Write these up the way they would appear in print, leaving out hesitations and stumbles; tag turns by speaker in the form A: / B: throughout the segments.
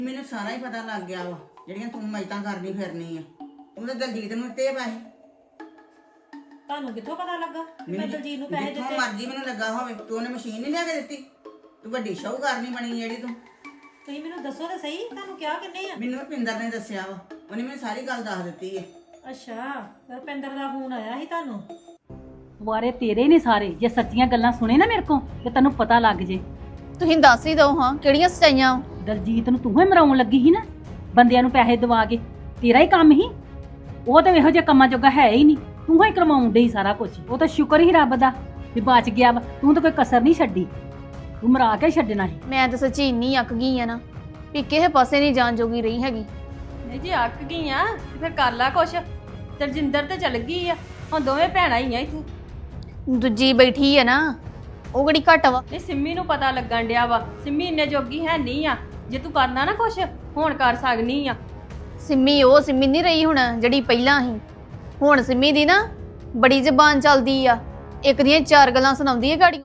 A: ਮੈਨੂੰ ਸਾਰਾ ਹੀ ਪਤਾ ਲੱਗ ਗਿਆ ਵਾ ਜਿਹੜੀਆਂ ਤੂੰ ਮੈਤਾਂ ਕਰਨੀ ਫਿਰਨੀ ਆ। ਤੂੰ ਤਾਂ ਦਲਜੀਤ ਨੂੰ ਦਿੱਤੇ ਪੈਸੇ।
B: ਤੁਹਾਨੂੰ ਕਿੱਥੋਂ ਪਤਾ ਲੱਗਾ ਮੈਂ ਦਲਜੀਤ ਨੂੰ ਪੈਸੇ
A: ਜਿੱਥੋਂ
B: ਦਿੱਤੇ?
A: ਮਰਜ਼ੀ ਮੈਨੂੰ ਲੱਗਾ ਹੋਵੇ, ਤੂੰ ਉਹਨੇ ਮਸ਼ੀਨ ਨਹੀਂ ਲਿਆ ਕੇ ਦਿੱਤੀ। ਤੂੰ ਵੱਡੀ ਸ਼ਾਹੂਕਾਰ ਨਹੀਂ ਬਣੀ ਜਿਹੜੀ ਤੂੰ।
B: ਤੁਸੀਂ ਮੈਨੂੰ ਦੱਸੋ ਤਾਂ ਸਹੀ, ਤੁਹਾਨੂੰ ਕਿਹਾ ਕਿੰਨੇ ਆ?
A: ਮੈਨੂੰ ਰੁਪਿੰਦਰ ਨੇ ਦੱਸਿਆ ਵਾ, ਉਹਨੇ ਮੈਨੂੰ ਸਾਰੀ ਗੱਲ ਦੱਸ ਦਿੱਤੀ ਹੈ।
B: ਅੱਛਾ, ਰੁਪਿੰਦਰ ਦਾ ਫੋਨ ਆਇਆ ਸੀ ਤੁਹਾਨੂੰ?
C: ਵਾਰੇ ਤੇਰੇ ਨੇ ਸਾਰੇ। ਜੇ ਸੱਚੀਆਂ ਗੱਲਾਂ ਸੁਣੇ ਨਾ ਮੇਰੇ ਕੋਲ ਤੇ ਤੈਨੂੰ ਪਤਾ ਲੱਗ ਜੇ।
D: ਤੁਸੀਂ ਦੱਸ ਹੀ ਦਿਓ ਹਾਂ ਕਿਹੜੀਆਂ ਸਚਾਈਆਂ।
C: ਦਲਜੀਤ ਨੂੰ ਤੂੰ ਹੀ ਮਰਾਉਣ ਲੱਗੀ ਸੀ ਨਾ, ਬੰਦਿਆਂ ਨੂੰ ਪੈਸੇ ਦਵਾ ਕੇ। ਤੇਰਾ ਹੀ ਕੰਮ ਸੀ ਉਹ, ਤਾਂ ਇਹੋ ਜਿਹੇ ਕੰਮਾਂ ਜੋਗਾ ਹੈ ਹੀ ਨਹੀਂ। ਤੂੰ ਹੀ ਕਰਵਾਉਣ ਡਈ ਸਾਰਾ ਕੁਝ। ਉਹ ਤਾਂ ਸ਼ੁਕਰ ਹੀ ਰੱਬ ਦਾ ਵੀ ਬਚ ਗਿਆ ਵਾ। ਤੂੰ ਤਾਂ ਕੋਈ ਕਸਰ ਨਹੀਂ ਛੱਡੀ, ਤੂੰ ਮਰਾ ਕੇ ਛੱਡਣਾ ਸੀ।
D: ਮੈਂ ਤਾਂ ਸੱਚੀ ਇੰਨੀ ਅੱਕ ਗਈ ਆ ਨਾ ਵੀ ਕਿਸੇ ਪਾਸੇ ਨਹੀਂ ਜਾਣ ਜੋਗੀ ਰਹੀ ਹੈਗੀ।
E: ਨਹੀਂ ਜੇ ਅੱਕ ਗਈ ਆ ਤੇ ਫਿਰ ਕਰ ਲਾ ਕੁਛ। ਤਰਜਿੰਦਰ ਤੇ ਚਲ ਗਈ ਆ, ਹੁਣ ਦੋਵੇਂ ਭੈਣਾਂ ਹੀ ਆ ਇੱਥੇ।
D: ਦੂਜੀ ਬੈਠੀ ਆ ਨਾ, ਉਹ ਕਿਹੜੀ ਘੱਟ ਵਾ।
E: ਨਹੀਂ ਸਿੰਮੀ ਨੂੰ ਪਤਾ ਲੱਗਣ ਡਿਆ ਵਾ, ਸਿੰਮੀ ਇੰਨੇ ਜੋਗੀ ਹੈ ਨਹੀਂ ਆ। ਜੇ ਤੂੰ ਕਰਨਾ ਨਾ ਕੁਛ ਹੁਣ ਕਰ ਸਕਨੀ ਆ।
D: ਸਿੰਮੀ ਉਹ ਸਿੰਮੀ ਨਹੀਂ ਰਹੀ ਹੁਣ ਜਿਹੜੀ ਪਹਿਲਾਂ ਸੀ। ਹੁਣ ਸਿੰਮੀ ਦੀ ਨਾ ਬੜੀ ਜ਼ਬਾਨ ਚੱਲਦੀ ਆ, ਇੱਕ ਦੀਆਂ ਚਾਰ ਗੱਲਾਂ ਸੁਣਾਉਂਦੀ ਹੈ ਗਾੜੀ।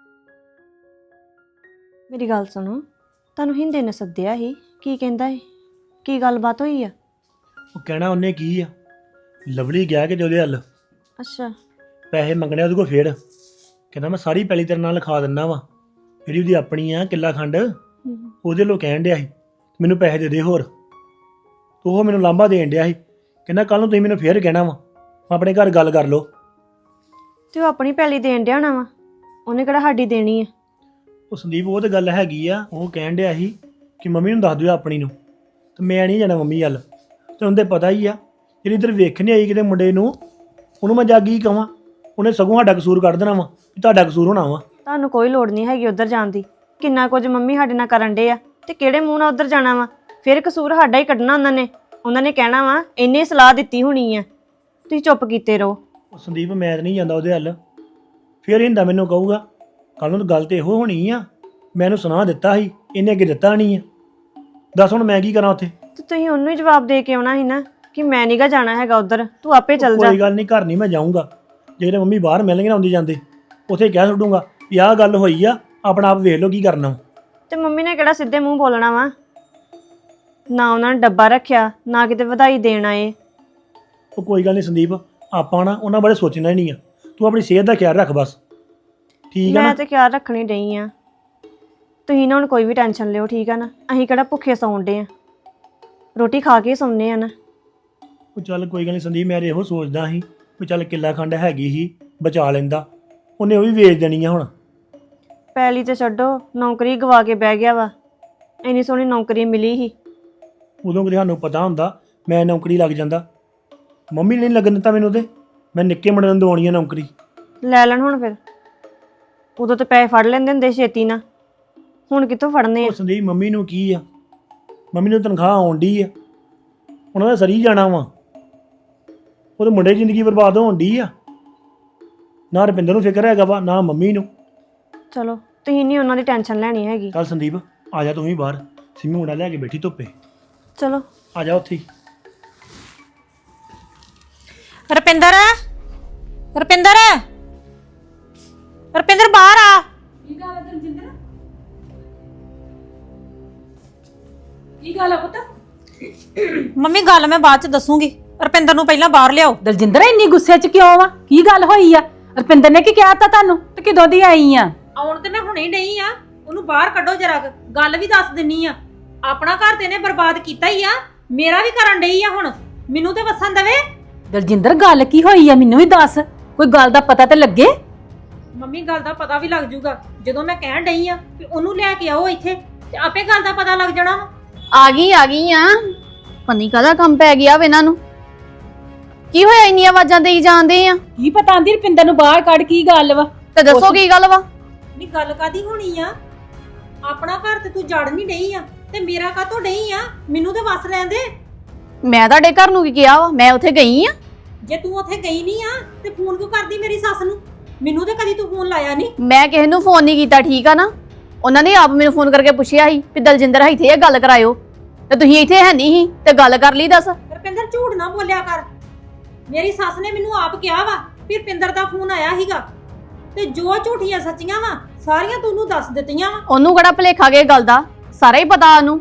F: ਮੇਰੀ ਗੱਲ ਸੁਣੋ, ਤੁਹਾਨੂੰ ਹਿੰਦੇ ਨੇ ਸੱਦਿਆ ਸੀ, ਕੀ ਕਹਿੰਦਾ ਹੈ? ਕੀ ਗੱਲਬਾਤ ਹੋਈ ਆ?
G: ਉਹ ਕਹਿਣਾ ਉਹਨੇ ਕੀ ਆ, ਲਵਲੀ ਗਿਆ ਕਿ ਉਹਦੇ ਹੱਲ
F: ਅੱਛਾ,
G: ਪੈਸੇ ਮੰਗਣੇ ਉਹਦੇ ਕੋਲ। ਫੇਰ ਕਹਿੰਦਾ ਮੈਂ ਸਾਰੀ ਪੈਲੀ ਤੇਰੇ ਨਾਲ ਲਿਖਾ ਦਿੰਦਾ ਵਾ, ਜਿਹੜੀ ਉਹਦੀ ਆਪਣੀ ਆ ਕਿੱਲਾ ਖੰਡ, ਉਹਦੇ ਲੋ ਕਹਿਣ ਡਿਆ ਸੀ ਮੈਨੂੰ ਪੈਸੇ ਦੇ ਦੇ ਹੋਰ। ਤੋ ਉਹ ਮੈਨੂੰ ਲਾਂਭਾ ਦੇਣ ਡਿਆ ਸੀ, ਕਹਿੰਦਾ ਕੱਲ ਨੂੰ ਤੁਸੀਂ ਮੈਨੂੰ ਫੇਰ ਕਹਿਣਾ ਵਾ, ਆਪਣੇ ਘਰ ਗੱਲ ਕਰ ਲਓ।
F: ਤੇ ਉਹ ਆਪਣੀ ਪੈਲੀ ਦੇਣ ਡਿਆ ਹੋਣਾ ਵਾ, ਉਹਨੇ ਕਿਹੜਾ ਸਾਡੀ ਦੇਣੀ ਆ?
G: ਉਹ ਸੰਦੀਪ ਉਹ ਤਾਂ ਗੱਲ ਹੈਗੀ ਆ। ਉਹ ਕਹਿਣ ਡਿਆ ਸੀ ਕਿ ਮੰਮੀ ਨੂੰ ਦੱਸ ਦਿਓ ਆਪਣੀ ਨੂੰ, ਤੇ ਮੈਂ ਨਹੀਂ ਜਾਣਾ ਮੰਮੀ ਵੱਲ। ਤੇ ਉਹਦੇ ਪਤਾ ਹੀ ਆ ਜਿਹੜੀ ਇੱਧਰ ਵੇਖਣ ਆਈ ਕਿਤੇ ਮੁੰਡੇ ਨੂੰ, ਉਹਨੂੰ ਮੈਂ ਜਾ ਕੀ ਕਵਾਂ? ਉਹਨੇ ਸਗੋਂ ਸਾਡਾ ਕਸੂਰ ਕੱਢ ਦੇਣਾ ਵਾ ਵੀ ਤੁਹਾਡਾ ਕਸੂਰ ਹੋਣਾ ਵਾ।
F: ਤੁਹਾਨੂੰ ਕੋਈ ਲੋੜ ਨਹੀਂ ਹੈਗੀ ਉੱਧਰ ਜਾਣ ਦੀ। ਕਿੰਨਾ ਕੁਝ ਮੰਮੀ ਸਾਡੇ ਨਾਲ ਕਰਨ ਡੇ ਆ, ਤੇ ਕਿਹੜੇ ਮੂੰਹ ਨਾਲ ਉੱਧਰ ਜਾਣਾ ਵਾ? ਫਿਰ ਕਸੂਰ ਸਾਡਾ ਹੀ ਕੱਢਣਾ ਉਹਨਾਂ ਨੇ ਕਹਿਣਾ ਵਾ ਇੰਨੇ ਸਲਾਹ ਦਿੱਤੀ ਹੋਣੀ ਆ, ਤੁਸੀਂ ਚੁੱਪ ਕੀਤੇ ਰਹੋ।
G: ਉਹ ਸੰਦੀਪ ਮੈਂ ਤਾਂ ਨਹੀਂ ਜਾਂਦਾ ਉਹਦੇ ਹੱਲ। ਫਿਰ ਹਿੰਦਾ ਮੈਨੂੰ ਕਹੂਗਾ ਕੱਲ ਨੂੰ ਤਾਂ ਗੱਲ ਤੇ ਇਹੋ ਹੋਣੀ ਆ, ਮੈਂ ਇਹਨੂੰ ਸੁਣਾ ਦਿੱਤਾ ਸੀ, ਇਹਨੇ ਅੱਗੇ ਦਿੱਤਾ ਨਹੀਂ ਆ। ਦੱਸ ਹੁਣ ਮੈਂ ਕੀ ਕਰਾਂ ਉੱਥੇ?
F: ਤੇ ਤੁਸੀਂ ਉਹਨੂੰ ਹੀ ਜਵਾਬ ਦੇ ਕੇ ਆਉਣਾ ਸੀ ਨਾ ਕਿ ਮੈਂ ਨੀਗਾ ਜਾਣਾ ਹੈਗਾ ਉੱਧਰ, ਤੂੰ ਆਪੇ ਚੱਲ ਜਾ।
G: ਕੋਈ ਗੱਲ ਨਹੀਂ, ਘਰ ਨਹੀਂ ਮੈਂ ਜਾਊਂਗਾ। ਜਿਹੜੇ ਮੰਮੀ ਬਾਹਰ ਮਿਲਣਗੇ ਨਾ ਆਉਂਦੇ ਜਾਂਦੇ, ਉੱਥੇ ਕਹਿ ਛੱਡੂੰਗਾ ਵੀ ਆਹ ਗੱਲ ਹੋਈ ਆ, ਆਪਣਾ ਆਪ ਵੇਖ ਲਓ ਕੀ ਕਰਨਾ।
F: ਤੇ ਮੰਮੀ ਨੇ ਕਿਹੜਾ ਸਿੱਧੇ ਮੂੰਹ ਬੋਲਣਾ ਵਾ? ਨਾ ਉਹਨਾਂ ਨੇ ਡੱਬਾ ਰੱਖਿਆ, ਨਾ ਕਿਤੇ ਵਧਾਈ ਦੇਣ ਆਏ।
G: ਉਹ ਕੋਈ ਗੱਲ ਨਹੀਂ ਸੰਦੀਪ, ਆਪਾਂ ਨਾ ਉਹਨਾਂ ਬਾਰੇ ਸੋਚਣਾ ਹੀ ਨਹੀਂ ਆ। ਤੂੰ ਆਪਣੀ ਸਿਹਤ ਦਾ ਖਿਆਲ ਰੱਖ ਬਸ, ਠੀਕ ਆ ਨਾ?
F: ਮੈਂ ਤੇ ਖਿਆਲ ਰੱਖਣੀ ਡਈ ਆ। ਤੁਸੀਂ ਨਾ ਹੁਣ ਕੋਈ ਵੀ ਟੈਨਸ਼ਨ ਲਿਓ, ਠੀਕ ਆ ਨਾ? ਅਸੀਂ ਕਿਹੜਾ ਭੁੱਖੇ ਸੌਣ ਡੇ ਆ, ਰੋਟੀ ਖਾ ਕੇ ਸੌਂਦੇ ਆ ਨਾ।
G: ਉਹ ਚੱਲ ਕੋਈ ਗੱਲ ਨਹੀਂ ਸੰਦੀਪ, ਮੈਂ ਇਹੋ ਸੋਚਦਾ ਸੀ ਵੀ ਚੱਲ ਕਿੱਲਾ ਖੰਡ ਹੈਗੀ ਸੀ, ਬਚਾ ਲੈਂਦਾ। ਉਹਨੇ ਉਹ ਵੀ ਵੇਚ ਦੇਣੀ ਆ ਹੁਣ।
F: ਪੈਲੀ ਤੇ ਛੱਡੋ, ਨੌਕਰੀ ਗਵਾ ਕੇ ਬਹਿ ਗਿਆ ਵਾ। ਇੰਨੀ ਸੋਹਣੀ ਨੌਕਰੀ ਮਿਲੀ ਸੀ।
G: ਉਦੋਂ ਕਦੇ ਸਾਨੂੰ ਪਤਾ ਹੁੰਦਾ ਮੈਂ ਨੌਕਰੀ ਲੱਗ ਜਾਂਦਾ। ਮੰਮੀ ਨੇ ਨਹੀਂ ਲੱਗਣ ਦਿੱਤਾ ਮੈਨੂੰ, ਤੇ ਮੈਂ ਨਿੱਕੇ ਮੁੰਡੇ ਨੂੰ ਦਵਾਉਣੀ ਆ ਨੌਕਰੀ।
F: ਲੈ ਲੈਣ ਹੁਣ ਫਿਰ, ਉਦੋਂ ਤੇ ਪੈਸੇ ਫੜ ਲੈਂਦੇ ਹੁੰਦੇ ਛੇਤੀ ਨਾ, ਹੁਣ ਕਿੱਥੋਂ ਫੜਨੇ ਆ?
G: ਉਹ ਸੰਦੀਪ ਮੰਮੀ ਨੂੰ ਕੀ ਆ, ਮੰਮੀ ਨੂੰ ਤਨਖਾਹ ਆਉਣ ਡਈ ਆ, ਉਹਨਾਂ ਦਾ ਸਰੀ ਜਾਣਾ ਵਾ। ਉਹਦੇ ਮੁੰਡੇ ਦੀ ਜ਼ਿੰਦਗੀ ਬਰਬਾਦ ਹੋਣ ਡਈ ਆ। ਨਾ ਰੁਪਿੰਦਰ ਨੂੰ ਫਿਕਰ ਹੈਗਾ ਵਾ, ਨਾ ਮੰਮੀ ਨੂੰ।
F: ਚਲੋ ਤੁਸੀਂ ਨਹੀਂ ਉਹਨਾਂ ਦੀ ਟੈਨਸ਼ਨ ਲੈਣੀ ਹੈਗੀ।
G: ਚੱਲ ਸੰਦੀਪ ਆ ਜਾ ਤੂੰ ਵੀ ਬਾਹਰ, ਸਿੰਮੀ ਮੁੰਡਾ ਲੈ ਕੇ ਬੈਠੀ ਧੁੱਪੇ।
F: ਚਲੋ
G: ਆ ਜਾ ਉੱਥੇ ਹੀ।
B: ਰੁਪਿੰਦਰ, ਰੁਪਿੰਦਰ, ਰੁਪਿੰਦਰ ਬਾਹਰ ਆ।
C: ਕੀ ਗੱਲ ਹੈ ਦਲਜਿੰਦਰ? ਕੀ ਗੱਲ ਹੈ ਪੁੱਤ?
B: ਮੰਮੀ ਗੱਲ ਮੈਂ ਬਾਅਦ ਚ ਦੱਸੂਗੀ, ਰੁਪਿੰਦਰ ਨੂੰ ਪਹਿਲਾਂ ਬਾਹਰ ਲਿਆਓ।
C: ਦਲਜਿੰਦਰ ਇੰਨੀ ਗੁੱਸੇ 'ਚ ਕਿਉਂ ਵਾ? ਕੀ ਗੱਲ ਹੋਈ ਆ? ਰੁਪਿੰਦਰ ਨੇ ਕੀ ਕਿਹਾ ਤਾ ਤੁਹਾਨੂੰ? ਤੇ ਕਿਦੋਂ ਦੀ ਆਈ ਆ?
B: ਆਉਣ ਤੇ ਮੈਂ ਹੁਣੇ ਹੀ ਡਈ ਆ, ਉਹਨੂੰ ਬਾਹਰ ਕੱਢੋ ਜਰਾ। ਗੱਲ ਵੀ ਦੱਸ ਦਿੰਨੀ ਆ, ਆਪਣਾ ਘਰ ਤੇ ਨੇ ਬਰਬਾਦ ਕੀਤਾ ਹੀ ਆ, ਮੇਰਾ ਵੀ ਕਰਨ ਡਈ ਆ। ਹੁਣ ਮੈਨੂੰ ਤੇ ਵਸਣ ਦੇਵੇ।
C: ਦਲਜਿੰਦਰ ਗੱਲ ਕੀ ਹੋਈ ਆ? ਮੈਨੂੰ ਵੀ ਦੱਸ, ਕੋਈ ਗੱਲ ਦਾ ਪਤਾ ਤੇ ਲੱਗੇ।
B: ਮੰਮੀ ਗੱਲ ਦਾ ਪਤਾ ਵੀ ਲੱਗ ਜੂਗਾ ਜਦੋਂ ਮੈਂ ਕਹਿਣ ਡਈ ਆ ਕਿ ਉਹਨੂੰ ਲੈ ਕੇ ਆਓ ਇੱਥੇ, ਤੇ ਆਪੇ ਗੱਲ ਦਾ ਪਤਾ ਲੱਗ ਜਾਣਾ ਵਾ।
D: ਆ ਗਈ ਆ। ਪਨੀ ਕਾਹਦਾ ਕੰਮ ਪੈ ਗਿਆ ਵਾ ਇਹਨਾਂ ਨੂੰ? ਕੀ ਹੋਇਆ ਇੰਨੀਆਂ ਆਵਾਜ਼ਾਂ ਦੇਈ ਜਾਂਦੇ ਆ?
C: ਕੀ ਪਤਾ ਆਂਦੀ ਰੁਪਿੰਦਰ ਨੂੰ ਬਾਹਰ ਕੱਢ, ਕੀ ਗੱਲ ਵਾ?
D: ਤੇ ਦੱਸੋ ਕੀ ਗੱਲ ਵਾ?
B: ਨਹੀਂ ਗੱਲ ਕਾਦੀ ਹੋਣੀ ਆ? ਆਪਣਾ ਘਰ ਤੇ ਤੂੰ ਜੜ ਨਹੀਂ ਡਈ ਆ, ਤੇ ਮੇਰਾ ਕਾਹਤੋਂ ਡਈ ਆ? ਮੈਨੂੰ ਤੇ ਵਸ ਲੈਣ ਦੇ।
D: ਮੈਂ ਤੁਹਾਡੇ ਘਰ ਨੂੰ ਕੀ ਕਿਹਾ ਵਾ? ਮੈਂ ਉੱਥੇ ਗਈ ਆ।
B: ਜੇ ਤੂੰ ਉੱਥੇ ਗਈ ਨਹੀਂ ਆ ਤੇ ਫੋਨ ਕਿਉਂ ਕਰਦੀ ਮੇਰੀ ਸੱਸ ਨੂੰ? ਮੈਨੂੰ ਤੇ ਕਦੀ ਤੂੰ ਫੋਨ ਲਾਇਆ ਨਹੀਂ।
D: ਮੈਂ ਕਿਸੇ ਨੂੰ ਫੋਨ ਨਹੀਂ ਕੀਤਾ, ਠੀਕ ਆ ਨਾ? ਉਹਨਾਂ ਨੇ ਆਪ ਮੈਨੂੰ ਫੋਨ ਕਰਕੇ ਪੁੱਛਿਆ ਸੀ ਵੀ ਦਲਜਿੰਦਰ ਇੱਥੇ ਇਹ ਗੱਲ ਕਰਾਇਓ, ਤੇ ਤੁਸੀਂ ਇੱਥੇ ਹੈ ਨਹੀਂ ਸੀ ਤੇ ਗੱਲ ਕਰ ਲਈ। ਦੱਸ
B: ਰੁਪਿੰਦਰ ਝੂਠ ਨਾ ਬੋਲਿਆ ਕਰ। ਮੇਰੀ ਸੱਸ ਨੇ ਮੈਨੂੰ ਆਪ ਕਿਹਾ ਵਾ ਵੀ ਰੁਪਿੰਦਰ ਦਾ ਫੋਨ ਆਇਆ ਸੀਗਾ, ਤੇ ਜੋ ਝੂਠੀਆਂ ਸੱਚੀਆਂ ਵਾ ਸਾਰੀਆਂ ਤੂੰ ਉਹਨੂੰ ਦੱਸ ਦਿੱਤੀਆਂ ਵਾ।
D: ਉਹਨੂੰ ਕਿਹੜਾ ਭੁਲੇਖਾ ਗਏ ਗੱਲ ਦਾ? ਸਾਰਾ ਹੀ ਪਤਾ ਉਹਨੂੰ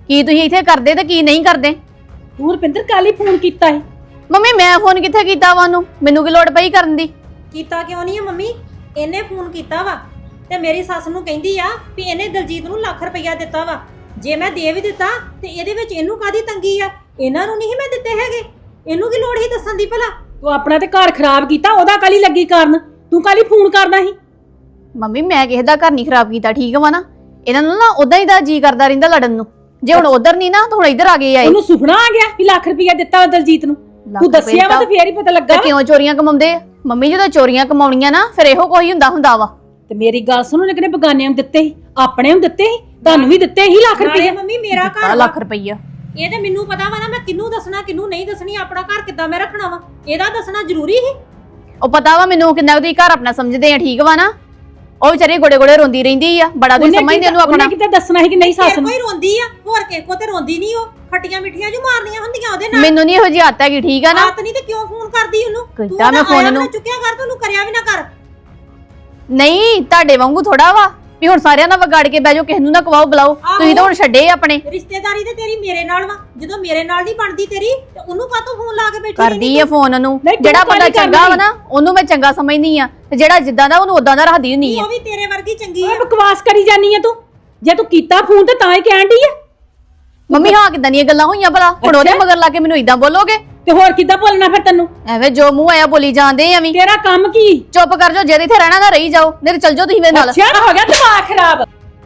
D: ਕੀ ਤੁਸੀਂ ਇੱਥੇ ਕਰਦੇ ਤੇ ਕੀ ਨਹੀਂ ਕਰਦੇ।
C: ਤੂੰ ਰੁਪਿੰਦਰ ਕੱਲ ਹੀ ਫੋਨ ਕੀਤਾ ਸੀ।
D: ਮੰਮੀ ਮੈਂ ਫੋਨ ਕਿੱਥੇ ਕੀਤਾ ਵਾ ਉਹਨੂੰ, ਮੈਨੂੰ ਕੀ ਲੋੜ ਪਈ ਕਰਨ ਦੀ।
B: ਕੀਤਾ ਕਿਉਂ ਨਹੀਂ ਆ ਮੰਮੀ? ਇਹਨੇ ਫੋਨ ਕੀਤਾ ਵਾ ਤੇ ਮੇਰੀ ਸੱਸ ਨੂੰ ਕਹਿੰਦੀ ਆ ਵੀ ਇਹਨੇ ਦਲਜੀਤ ਨੂੰ ਲੱਖ ਰੁਪਈਆ ਦਿੱਤਾ ਵਾ। ਜੇ ਮੈਂ ਦੇ ਵੀ ਦਿੱਤਾ ਤੇ ਇਹਦੇ ਵਿੱਚ ਇਹਨੂੰ ਕਾਦੀ ਤੰਗੀ ਆ? ਇਹਨਾਂ ਨੂੰ ਨਹੀਂ ਮੈਂ ਦਿੱਤੇ ਹੈਗੇ, ਇਹਨੂੰ ਕੀ ਲੋੜ ਹੀ ਦੱਸਣ ਦੀ ਭਲਾ?
C: ਤੂੰ ਆਪਣਾ ਤੇ ਘਰ ਖਰਾਬ ਕੀਤਾ, ਉਹਦਾ ਕੱਲ ਹੀ ਲੱਗੀ ਕਾਰਨ। ਤੂੰ ਕੱਲ ਹੀ ਫੋਨ ਕਰਦਾ ਸੀ।
D: ਮੰਮੀ ਮੈਂ ਕਿਸੇ ਦਾ ਘਰ ਨਹੀਂ ਖਰਾਬ ਕੀਤਾ, ਠੀਕ ਵਾ ਨਾ। ਇਹਨਾਂ ਨੂੰ ਨਾ ਉਦਾਂ ਹੀ ਦਾ ਜੀ ਕਰਦਾ ਰਹਿੰਦਾ ਲੜਨ ਨੂੰ। ਜੇ ਹੁਣ ਉਧਰ ਨਹੀਂ ਨਾ ਤਾਂ ਹੁਣ ਇੱਧਰ ਆ ਗਏ ਆਏ।
C: ਉਹਨੂੰ ਸੁਪਨਾ ਆ ਗਿਆ ਵੀ ਲੱਖ ਰੁਪਈਆ ਦਿੱਤਾ ਵਾ ਦਲਜੀਤ ਨੂੰ। ਤੂੰ ਦੱਸਿਆ ਵਾ ਤੇ ਫੇਰ ਹੀ ਪਤਾ ਲੱਗਾ।
D: ਕਿਉਂ ਚੋਰੀਆਂ ਕਮਾਉਂਦੇ ਆ ਮੰਮੀ? ਜਦੋਂ ਚੋਰੀਆਂ ਕਮਾਉਣੀਆਂ ਨਾ ਫਿਰ ਇਹੋ ਕੋਈ ਹੁੰਦਾ ਵਾ।
C: ਤੇ ਮੇਰੀ ਗੱਲ ਸੁਣ, ਉਹਨੇ ਕਿਹਨੇ ਬਗਾਨਿਆਂ ਨੂੰ ਦਿੱਤੇ ਸੀ, ਆਪਣੇ ਨੂੰ ਦਿੱਤੇ ਸੀ, ਤੁਹਾਨੂੰ ਵੀ ਦਿੱਤੇ ਸੀ ਲੱਖ
B: ਨਾਲੇ
C: ਰੁਪਈਆ।
B: ਮੰਮੀ ਮੇਰਾ ਘਰ ਵਾ।
D: ਲੱਖ ਰੁਪਈਆ
B: ਇਹ ਤੇ ਮੈਨੂੰ ਪਤਾ ਵਾ ਨਾ ਮੈਂ ਕਿਹਨੂੰ ਦੱਸਣਾ ਕਿਹਨੂੰ ਨਹੀਂ ਦੱਸਣੀ, ਆਪਣਾ ਘਰ ਕਿੱਦਾਂ ਮੈਂ ਰੱਖਣਾ ਵਾ, ਇਹਦਾ ਦੱਸਣਾ ਜ਼ਰੂਰੀ ਸੀ।
D: ਉਹ ਪਤਾ ਵਾ ਮੈਨੂੰ ਕਿੰਨਾ ਤੁਸੀਂ ਘਰ ਆਪਣਾ ਸਮਝਦੇ ਆ, ਠੀਕ ਵਾ ਨਾ। ਉਹ ਵਿਚਾਰੀ ਗੋੜੇ ਗੋੜੇ ਰੋਂਦੀ ਰਹਿੰਦੀ ਆ, ਬੜਾ ਤੁਸੀਂ ਸਮਝਦੇ ਉਹਨੂੰ ਆਪਣਾ।
C: ਉਹਨੇ ਕਿਤੇ ਦੱਸਣਾ ਸੀ ਕਿ ਨਹੀਂ ਸੱਸ
B: ਤੇਰੇ
C: ਨੂੰ?
B: ਕੋਈ ਰੋਂਦੀ ਆ, ਹੋਰ ਕਿਸੇ ਕੋ ਤੇ ਰੋਂਦੀ ਨਹੀਂ। ਉਹ ਖੱਟੀਆਂ ਮਿੱਠੀਆਂ ਜੂ ਮਾਰਨੀਆਂ ਹੁੰਦੀਆਂ ਉਹਦੇ ਨਾਲ।
D: ਮੈਨੂੰ ਨਹੀਂ ਇਹੋ ਜਿਹੀ ਆਦਤ ਹੈਗੀ, ਠੀਕ ਆ ਨਾ।
B: ਆਤ ਨਹੀਂ ਤੇ ਕਿਉਂ ਫੋਨ ਕਰਦੀ ਉਹਨੂੰ?
D: ਕੀਤਾ ਮੈਂ ਫੋਨ ਨੂੰ।
B: ਚੁੱਕਿਆ ਕਰ, ਤੂੰ ਕਰਿਆ ਵੀ ਨਾ ਕਰ।
D: ਨਹੀਂ ਤੁਹਾਡੇ ਵਾਂਗੂ ਥੋੜਾ ਵਾ ਵੀ ਹੁਣ ਸਾਰਿਆਂ ਨਾਲ ਵਿਗਾੜ ਕੇ ਬਹਿ ਜਾਓ, ਕਿਸੇ ਨੂੰ ਨਾ ਕਵਾਓ ਬੁਲਾਓ। ਤੁਸੀਂ ਤਾਂ ਹੁਣ ਛੱਡੇ ਆਪਣੇ।
B: ਰਿਸ਼ਤੇਦਾਰੀ ਤੇ ਤੇਰੀ ਮੇਰੇ ਨਾਲ ਵਾ, ਜਦੋਂ ਮੇਰੇ ਨਾਲ ਨਹੀਂ ਬਣਦੀ ਤੇਰੀ ਤੇ ਉਹਨੂੰ ਕਾਹਤੋਂ ਫੋਨ ਲਾ ਕੇ ਬੈਠੀ
D: ਕਰਦੀ ਆ ਫੋਨ ਨੂੰ।
C: ਨਹੀਂ, ਤੂੰ
D: ਜਿਹੜਾ ਬੰਦਾ
C: ਕਾਹਲੀ
D: ਚੰਗਾ ਵਾ
C: ਕਰਦੀ?
D: ਨਾ ਉਹਨੂੰ ਮੈਂ ਚੰਗਾ ਸਮਝਦੀ ਆ, ਤੇ ਜਿਹੜਾ ਜਿੱਦਾਂ ਦਾ ਉਹਨੂੰ ਉਦਾਂ ਦਾ ਰੱਖਦੀ ਹੁੰਦੀ ਆ।
B: ਉਹ ਵੀ ਤੇਰੇ ਵਰਗੀ ਚੰਗੀ
C: ਓਏ
B: ਆ।
C: ਬਕਵਾਸ ਕਰੀ ਜਾਨੀ ਆ ਤੂੰ। ਜੇ ਤੂੰ ਕੀਤਾ ਫੋਨ ਤੇ ਤਾਂ ਹੀ ਕਹਿਣ ਡਈ ਆ।
D: ਮੰਮੀ ਹਾਂ ਕਿਦਾਂ ਦੀਆਂ ਗੱਲਾਂ ਹੋਈਆਂ ਭਲਾ? ਹੁਣ ਉਹਦੇ ਮਗਰ ਲਾ ਕੇ ਮੈਨੂੰ ਇਦਾਂ ਬੋਲੋਗੇ?
C: ਤੇ ਹੋਰ ਕਿੱਦਾਂ ਬੋਲਣਾ ਫਿਰ ਤੈਨੂੰ?
D: ਐਵੇਂ ਜੋ ਮੂੰਹ ਆਇਆ ਬੋਲੀ ਜਾਂਦੇ ਆ ਵੀ।
C: ਤੇਰਾ ਕੰਮ ਕੀ?
D: ਚੁੱਪ ਕਰ ਜਾਓ, ਜੇ ਇੱਥੇ ਰਹਿਣਾ ਨਾ ਰਹੀ ਜਾਓ, ਨਹੀਂ ਤੇ ਚੱਲ ਜਾਓ ਤੁਸੀਂ ਮੇਰੇ ਨਾਲ।
C: ਅੱਛਾ ਹੋ ਗਿਆ ਦਿਮਾਗ ਖਰਾਬ।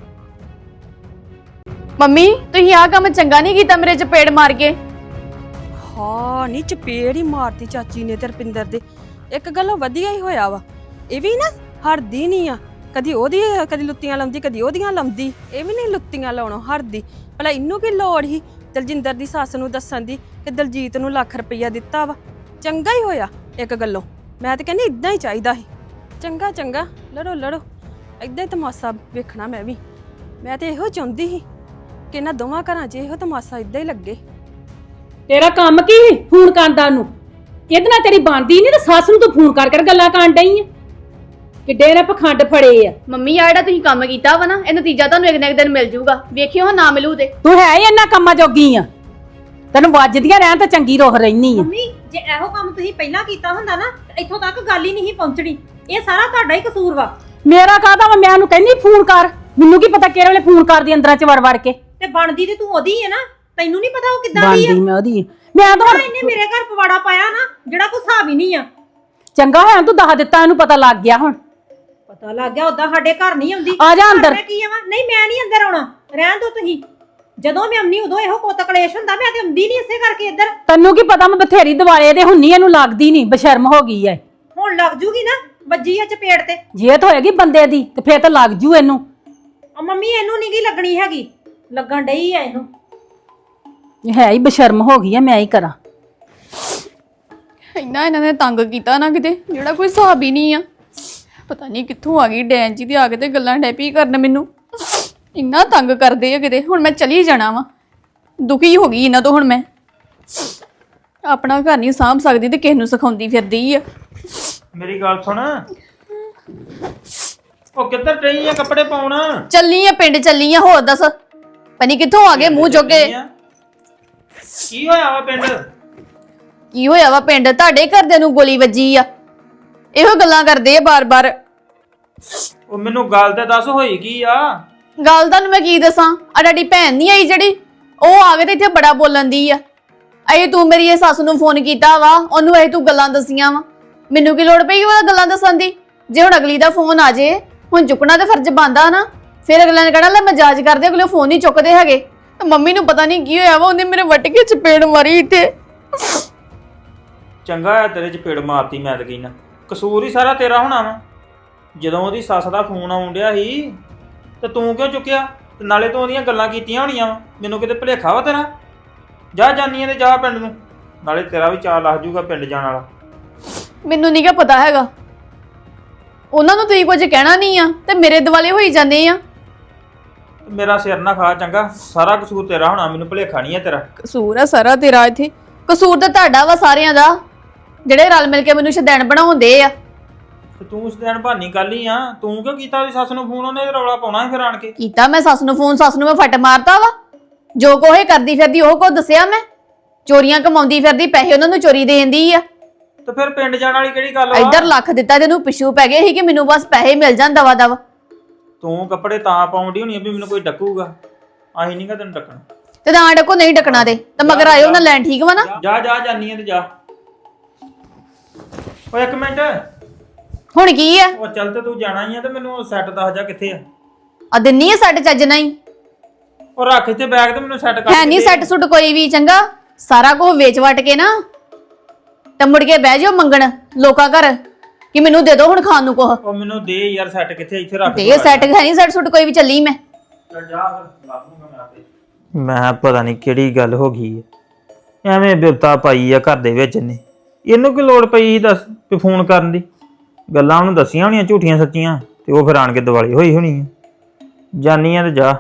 D: ਮੰਮੀ ਤੁਸੀਂ ਆਹ ਕੰਮ ਚੰਗਾ ਨਹੀਂ ਕੀਤਾ ਮੇਰੇ ਚਪੇੜ ਮਾਰ ਕੇ।
E: ਹਾਂ ਨਹੀਂ ਚਪੇੜ ਹੀ ਮਾਰਤੀ ਚਾਚੀ ਨੇ ਤੇ ਰਪਿੰਦਰ ਦੇ। ਇੱਕ ਗੱਲ ਵਧੀਆ ਹੀ ਹੋਇਆ ਵਾ, ਇਹ ਵੀ ਨਾ ਹਰਦੀ ਨਹੀਂ ਆ। ਕਦੀ ਉਹਦੀ ਕਦੀ ਲੁੱਤੀਆਂ ਲਾਉਂਦੀ, ਕਦੀ ਉਹਦੀਆਂ ਲਾਉਂਦੀ। ਇਹ ਵੀ ਨਹੀਂ ਲੁੱਤੀਆਂ ਲਾਉਣੋਂ ਹਰਦੀ। ਭਲਾ ਇਹਨੂੰ ਕੀ ਲੋੜ ਸੀ ਦਲਜਿੰਦਰ ਦੀ ਸੱਸ ਨੂੰ ਦੱਸਣ ਦੀ ਕਿ ਦਲਜੀਤ ਨੂੰ ਲੱਖ ਰੁਪਈਆ ਦਿੱਤਾ ਵਾ? ਚੰਗਾ ਹੀ ਹੋਇਆ ਇੱਕ ਗੱਲੋਂ। ਮੈਂ ਤਾਂ ਕਹਿੰਦੀ ਇਦਾਂ ਹੀ ਚਾਹੀਦਾ ਸੀ। ਚੰਗਾ ਚੰਗਾ ਲੜੋ ਲੜੋ, ਇਦਾਂ ਹੀ ਤਮਾਸ਼ਾ ਵੇਖਣਾ ਮੈਂ ਵੀ। ਮੈਂ ਤੇ ਇਹੋ ਚਾਹੁੰਦੀ ਸੀ ਕਿ ਇਹਨਾਂ ਦੋਵਾਂ ਘਰਾਂ 'ਚ ਇਹੋ ਤਮਾਸ਼ਾ ਇਦਾਂ ਹੀ ਲੱਗੇ।
C: ਤੇਰਾ ਕੰਮ ਕੀ ਸੀ ਫੋਨ ਕਰਦਾ ਨੂੰ? ਇਹਦੇ ਨਾਲ ਤੇਰੀ ਬਣਦੀ ਨਹੀਂ ਤੇ ਸੱਸ ਨੂੰ ਤੂੰ ਫੋਨ ਕਰ ਗੱਲਾਂ ਕਰਨ ਡਈ ਆ। ਕਿੱਡੇ ਨੇ ਪਖੰਡ ਫੜੇ ਆ।
D: ਮੰਮੀ ਆ ਜਿਹੜਾ ਤੁਸੀਂ ਕੰਮ ਕੀਤਾ ਵਾ ਨਾ, ਇਹ ਨਤੀਜਾ ਤੁਹਾਨੂੰ ਇੱਕ ਨਾ ਇੱਕ ਦਿਨ ਮਿਲ ਜਾਊਗਾ। ਵੇਖਿਓ ਨਾ ਮਿਲੂ ਤੇ।
C: ਤੂੰ ਹੈ ਹੀ ਇੰਨਾ ਕੰਮਾਂ ਜੋਗੀ ਆ, ਤੈਨੂੰ ਵੱਜਦੀਆਂ ਰਹਿਣ ਤਾਂ ਚੰਗੀ ਰੋਹ ਰਹਿਨੀ ਆ।
B: ਮੰਮੀ ਜੇ ਇਹੋ ਕੰਮ ਤੁਸੀਂ ਪਹਿਲਾਂ ਕੀਤਾ ਹੁੰਦਾ ਨਾ ਤੇ ਇੱਥੋਂ ਤੱਕ ਗੱਲ ਹੀ ਨਹੀਂ ਸੀ ਪਹੁੰਚਣੀ। ਇਹ ਸਾਰਾ ਤੁਹਾਡਾ ਹੀ ਕਸੂਰ ਵਾ।
C: ਮੇਰਾ ਕਾਹਦਾ ਵਾ? ਮੈਂ ਉਹਨੂੰ ਕਹਿੰਦੀ ਫੋਨ ਕਰ, ਮੈਨੂੰ ਕੀ ਪਤਾ ਕਿਹੜੇ ਵੇਲੇ ਫੋਨ ਕਰਦੀ ਅੰਦਰਾਂ ਚ ਵੜ ਵੜ ਕੇ।
B: ਤੇ ਬਣਦੀ ਤੇ ਤੂੰ ਉਹਦੀ ਹੈ ਨਾ, ਤੈਨੂੰ ਨਹੀਂ ਪਤਾ ਉਹ ਕਿੱਦਾਂ ਦੀ ਆ।
C: ਬਣਦੀ ਮੈਂ ਉਹਦੀ। ਮੈਂ ਤਾਂ
B: ਇਹਨੇ ਮੇਰੇ ਘਰ ਪਵਾੜਾ ਪਾਇਆ ਨਾ ਜਿਹੜਾ ਕੋਈ ਹਿਸਾਬ ਹੀ ਨਹੀਂ ਆ।
C: ਚੰਗਾ ਹੋਇਆ ਤੂੰ ਦੱਸ ਦਿੱਤਾ, ਇਹਨੂੰ ਪਤਾ ਲੱਗ ਗਿਆ ਹੁਣ।
B: ਪਤਾ ਲੱਗ ਗਿਆ, ਉਦਾਂ ਸਾਡੇ ਘਰ ਨਹੀਂ ਆਉਂਦੀ।
C: ਆ ਜਾ ਅੰਦਰ।
B: ਮੈਂ ਕੀ ਆਵਾਂ? ਨਹੀਂ ਮੈਂ ਨਹੀਂ ਅੰਦਰ ਆਉਣਾ, ਰਹਿਣ ਦੋ ਤੁਸੀਂ। ਜਦੋਂ ਮੈਂ ਆਉਂਦੀ ਉਦੋਂ ਇਹੋ ਕੋਤ ਕਲੇਸ਼ ਹੁੰਦਾ, ਮੈਂ ਤੇ ਆਉਂਦੀ ਨਹੀਂ ਇਸੇ ਕਰਕੇ ਇੱਧਰ।
C: ਤੈਨੂੰ ਕੀ ਪਤਾ ਮੈਂ ਬਥੇਰੀ ਦਿਵਾਲੇ ਦੇ ਹੁੰਨੀ, ਇਹਨੂੰ ਲੱਗਦੀ ਨਹੀਂ, ਬਸ਼ਰਮ ਹੋ ਗਈ ਐ।
B: ਹੁਣ ਲੱਗ ਜੂਗੀ ਨਾ, ਵੱਜੀ ਆ ਚਪੇੜ ਤੇ।
C: ਜੇ ਤਾਂ ਹੋਏਗੀ ਬੰਦੇ ਦੀ ਤੇ ਫੇਰ ਤਾਂ ਲੱਗ ਜੂ ਇਹਨੂੰ।
B: ਆ ਮੰਮੀ ਇਹਨੂੰ ਨਹੀਂ ਗੀ ਲੱਗਣੀ ਹੈਗੀ, ਲੱਗਣ ਡਈ ਆ ਇਹਨੂੰ।
C: ਇਹ ਹੈ ਹੀ ਬਸ਼ਰਮ ਹੋ ਗਈ ਐ, ਮੈਂ ਹੀ ਕਰਾਂ।
D: ਇੰਨਾ ਇਹਨਾਂ ਨੇ ਤੰਗ ਕੀਤਾ ਨਾ ਕਿਤੇ, ਜਿਹੜਾ ਕੋਈ ਹਿਸਾਬ ਹੀ ਨਹੀਂ ਆ। ਪਤਾ ਨਹੀਂ ਕਿੱਥੋਂ ਆ ਗਈ ਡੈਨ ਜੀ ਦੀ ਆ ਕੇ ਤੇ ਗੱਲਾਂ ਡੈਪੀ ਕਰਨ ਮੈਨੂੰ। ਇੰਨਾ ਤੰਗ ਕਰਦੇ ਆ ਕਿਤੇ। ਹੁਣ ਮੈਂ ਚਲੀ ਜਾਣਾ ਵਾ, ਦੁਖੀ ਹੋ ਗਈ ਇਹਨਾਂ ਤੋਂ। ਹੁਣ ਮੈਂ ਆਪਣਾ ਘਰ ਨਹੀਂ ਸਾਂਭ ਸਕਦੀ ਤੇ ਕਿਸ ਨੂੰ ਸਿਖਾਉਂਦੀ ਫਿਰਦੀ ਆ।
H: ਮੇਰੀ ਗੱਲ ਸੁਣ, ਉਹ ਕਿੱਧਰ ਰਹੀ ਆ ਕੱਪੜੇ ਪਾਉਣ?
D: ਚੱਲੀ ਆ ਪਿੰਡ, ਚੱਲੀ ਆ। ਹੋਰ ਦੱਸ ਪਨੀ ਕਿੱਥੋਂ ਆ ਗਏ ਮੂੰਹ ਜੋਗੇ?
H: ਕੀ ਹੋਇਆ ਵਾ ਪਿੰਡ?
D: ਕੀ ਹੋਇਆ ਵਾ ਪਿੰਡ? ਤੁਹਾਡੇ ਘਰਦਿਆਂ ਨੂੰ ਗੋਲੀ ਵੱਜੀ ਆ, ਇਹੋ ਗੱਲਾਂ ਕਰਦੇ ਆ ਬਾਰ-ਬਾਰ।
H: ਉਹ ਮੈਨੂੰ ਗੱਲ ਤੇ ਦੱਸ, ਹੋਈ ਕੀ ਆ?
D: ਗੱਲ ਤੁਹਾਨੂੰ ਮੈਂ ਕੀ ਦੱਸਾਂ? ਆ ਤੁਹਾਡੀ ਭੈਣ ਨਹੀਂ ਆਈ ਜਿਹੜੀ, ਉਹ ਆ ਕੇ ਤੇ ਇੱਥੇ ਬੜਾ ਬੋਲਣ ਦੀ ਆ। ਅਏ ਤੂੰ ਮੇਰੀ ਇਹ ਸੱਸ ਨੂੰ ਫੋਨ ਕੀਤਾ ਵਾ, ਉਹਨੂੰ ਇਹ ਤੂੰ ਗੱਲਾਂ ਦੱਸੀਆਂ ਵਾ। ਮੈਨੂੰ ਕੀ ਲੋੜ ਪਈ ਉਹਦਾ ਗੱਲਾਂ ਦੱਸਣ ਦੀ? ਜੇ ਹੁਣ ਅਗਲੀ ਦਾ ਫੋਨ ਆ ਜੇ, ਹੁਣ ਚੁੱਕਣਾ ਤੇ ਫਰਜ਼ ਬਣਦਾ ਨਾ। ਫਿਰ ਅਗਲੇ ਨੇ ਕਹਿਣਾ ਲੈ ਮਜ਼ਾਜ ਕਰਦੇ, ਅਗਲੇ ਫੋਨ ਨਹੀਂ ਚੁੱਕਦੇ ਹੈਗੇ। ਤੇ ਮੰਮੀ ਨੂੰ ਪਤਾ ਨਹੀਂ ਕੀ ਹੋਇਆ ਵਾ, ਉਹਨੇ ਮੇਰੇ ਵੱਟ ਕੇ ਚਪੇੜ ਮਾਰੀ ਇੱਥੇ।
H: ਚੰਗਾ ਆ ਤੇਰੇ ਚ ਪੇੜ ਮਾਰਤੀ। ਮੈਂ ਤਾਂ ਕਹਿਣਾ ਕਸੂਰ ਹੀ ਸਾਰਾ ਤੇਰਾ ਹੋਣਾ ਵਾ। ਜਦੋਂ ਉਹਦੀ ਸੱਸ ਦਾ ਫੋਨ ਆਉਣ ਡਿਆ ਸੀ ਤੇ ਤੂੰ ਕਿਉਂ ਚੁੱਕਿਆ? ਤੇ ਨਾਲੇ ਤੂੰ ਉਹਦੀਆਂ ਗੱਲਾਂ ਕੀਤੀਆਂ ਹੋਣੀਆਂ ਵਾ। ਮੈਨੂੰ ਕਿਤੇ ਭੁਲੇਖਾ ਵਾ ਤੇਰਾ? ਜਾ ਜਾਨੀਆਂ ਤੇ ਜਾ ਪਿੰਡ ਨੂੰ, ਨਾਲੇ ਤੇਰਾ ਵੀ ਚਾਅ ਲੱਗ ਜੂਗਾ ਪਿੰਡ ਜਾਣ ਵਾਲਾ।
D: ਮੈਨੂੰ ਨਹੀਂ ਕਿਹਾ ਪਤਾ ਹੈਗਾ। ਉਹਨਾਂ ਨੂੰ ਤੁਸੀਂ ਕੁਝ ਕਹਿਣਾ ਨਹੀਂ ਆ ਤੇ ਮੇਰੇ ਦਿਵਾਲੇ ਹੋਈ ਜਾਂਦੇ ਆ।
H: ਮੇਰਾ ਸਿਰ ਨਾ ਖਾ ਚੰਗਾ, ਸਾਰਾ ਕਸੂਰ ਤੇਰਾ ਹੋਣਾ, ਮੈਨੂੰ ਭੁਲੇਖਾ ਨਹੀਂ ਹੈ ਤੇਰਾ।
D: ਕਸੂਰ ਆ ਸਾਰਾ ਤੇਰਾ ਇੱਥੇ। ਕਸੂਰ ਤਾਂ ਤੁਹਾਡਾ ਵਾ ਸਾਰਿਆਂ ਦਾ, ਜਿਹੜੇ ਰਲ ਮਿਲ ਕੇ ਮੈਨੂੰ ਸ਼ੈਤਾਨ ਬਣਾਉਂਦੇ ਆ।
H: ਤੇ ਤੂੰ ਉਸ ਦਿਨ ਭਾਨੀ ਕੱਲ ਹੀ ਆ, ਤੂੰ ਕਿਉਂ ਕੀਤਾ ਉਹਦੀ ਸੱਸ ਨੂੰ ਫੋਨ? ਉਹਨੇ ਰੌਲਾ ਪਾਉਣਾ ਸੀ ਫਿਰ ਆਣ ਕੇ।
D: ਕੀਤਾ ਮੈਂ ਸੱਸ ਨੂੰ ਫੋਨ, ਸੱਸ ਨੂੰ ਮੈਂ ਫੱਟ ਮਾਰਤਾ ਵਾ। ਜੋ ਕੋਹੇ ਕਰਦੀ ਫਿਰਦੀ ਉਹ ਕੋ ਦੱਸਿਆ ਮੈਂ? ਚੋਰੀਆਂ ਕਮਾਉਂਦੀ ਫਿਰਦੀ, ਪੈਸੇ ਉਹਨਾਂ ਨੂੰ ਚੋਰੀ ਦੇਂਦੀ ਆ।
H: ਤੇ ਫਿਰ ਪਿੰਡ ਜਾਣ ਵਾਲੀ ਕਿਹੜੀ ਗੱਲ ਵਾ?
D: ਇੱਧਰ ਲੱਖ ਦਿੱਤਾ ਤੈਨੂੰ ਪਿੱਛੂ ਪੈ ਗਏ ਸੀ ਕਿ ਮੈਨੂੰ ਬਸ ਪੈਸੇ ਮਿਲ ਜਾਣ ਦਵਾ ਦਵਾ।
H: ਤੂੰ ਕੱਪੜੇ ਤਾਂ ਪਾਉਂਦੀ ਹੋਣੀ ਆ ਵੀ ਮੈਨੂੰ ਕੋਈ ਡੱਕੂਗਾ। ਅਸੀਂ ਨਹੀਂਗਾ ਤੈਨੂੰ ਡੱਕਣਾ।
D: ਤੇ ਨਾ ਡਕੋ ਨਹੀਂ ਡਕਣਾ ਤੇ ਮਗਰ ਆਇਓ ਨਾ ਲੈਣ, ਠੀਕ ਵਾ ਨਾ?
H: ਜਾ ਜਾ ਜਾਨੀ ਆ ਤੇ ਜਾ। ਓਏ ਇੱਕ ਮਿੰਟ,
D: ਹੁਣ ਕੀ ਆ?
H: ਉਹ ਚੱਲ ਤੇ ਤੂੰ ਜਾਣਾ ਹੀ ਆ ਤੇ ਮੈਨੂੰ ਸੈੱਟ ਦੱਸ ਜਾ ਕਿੱਥੇ ਆ।
D: ਆ ਦਿੰਨੀ ਆ ਸੈੱਟ ਚੱਜ ਨਹੀਂ?
H: ਉਹ ਰੱਖ ਇੱਥੇ ਬੈਗ ਤੇ ਮੈਨੂੰ ਸੈੱਟ ਕਰ।
D: ਹੈ ਨਹੀਂ ਸੈੱਟ ਸੁੱਟ ਕੋਈ ਵੀ, ਚੰਗਾ ਸਾਰਾ ਕੁਝ ਵੇਚ ਵਟ ਕੇ ਨਾ ਤੇ ਮੁੜ ਕੇ ਬਹਿ ਜਾਓ ਮੰਗਣ ਲੋਕਾਂ ਘਰ ਕਿ ਮੈਨੂੰ ਦੇ ਦਿਓ ਹੁਣ ਖਾਣ ਨੂੰ ਕੁਛ।
H: ਉਹ ਮੈਨੂੰ ਦੇ ਯਾਰ ਸੈੱਟ ਕਿੱਥੇ, ਇੱਥੇ ਰੱਖ
D: ਤੇ ਇਹ ਸੈੱਟ ਹੈ ਨਹੀਂ ਸੈੱਟ ਸੁੱਟ ਕੋਈ ਵੀ, ਚੱਲੀ ਮੈਂ।
H: ਚੱਲ ਜਾ ਫਿਰ, ਲੱਭ ਲੂੰਗਾ ਮੈਂ ਆਪੇ। ਮੈਂ ਪਤਾ ਨਹੀਂ ਕਿਹੜੀ ਗੱਲ ਹੋ ਗਈ ਹੈ, ਐਵੇਂ ਬਿਪਤਾ ਪਾਈ ਆ ਘਰ ਦੇ ਵਿੱਚ ਨੇ। ਇਹਨੂੰ ਕੀ ਲੋੜ ਪਈ ਸੀ ਦੱਸ ਵੀ ਫੋਨ ਕਰਨ ਦੀ? ਗੱਲਾਂ ਉਹਨੂੰ ਦੱਸੀਆਂ ਹੋਣੀਆਂ ਝੂਠੀਆਂ ਸੱਚੀਆਂ, ਤੇ ਉਹ ਫਿਰ ਆਣ ਕੇ ਦਿਵਾਲੀ ਹੋਈ ਹੋਣੀ ਆ। ਜਾਨੀ ਆ ਤੇ ਜਾ।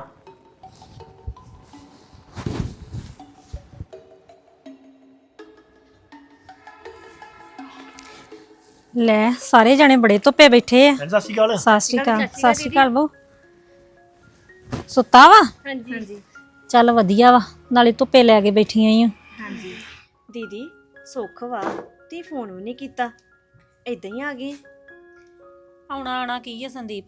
B: ਲੈ ਸਾਰੇ ਜਣੇ ਬੜੇ ਧੁੱਪੇ ਬੈਠੇ ਆ।
G: ਸਤਿ ਸ਼੍ਰੀ ਅਕਾਲ।
B: ਸਤਿ ਸ਼੍ਰੀ ਅਕਾਲ। ਸਤਿ ਸ਼੍ਰੀ ਅਕਾਲ ਬਹੂ। ਸੁੱਤਾ ਵਾ? ਹਾਂਜੀ। ਚੱਲ ਵਧੀਆ ਵਾ, ਨਾਲੇ ਧੁੱਪੇ ਲੈ ਕੇ ਬੈਠੀਆਂ ਈ ਆ।
F: ਹਾਂਜੀ ਦੀਦੀ ਸੁੱਖ ਵਾ, ਤੇ ਫੋਨ ਵੀ ਨਹੀਂ ਕੀਤਾ, ਇਦਾਂ ਹੀ ਆ ਗਏ।
B: ਆਉਣਾ ਕੀ ਆ ਸੰਦੀਪ,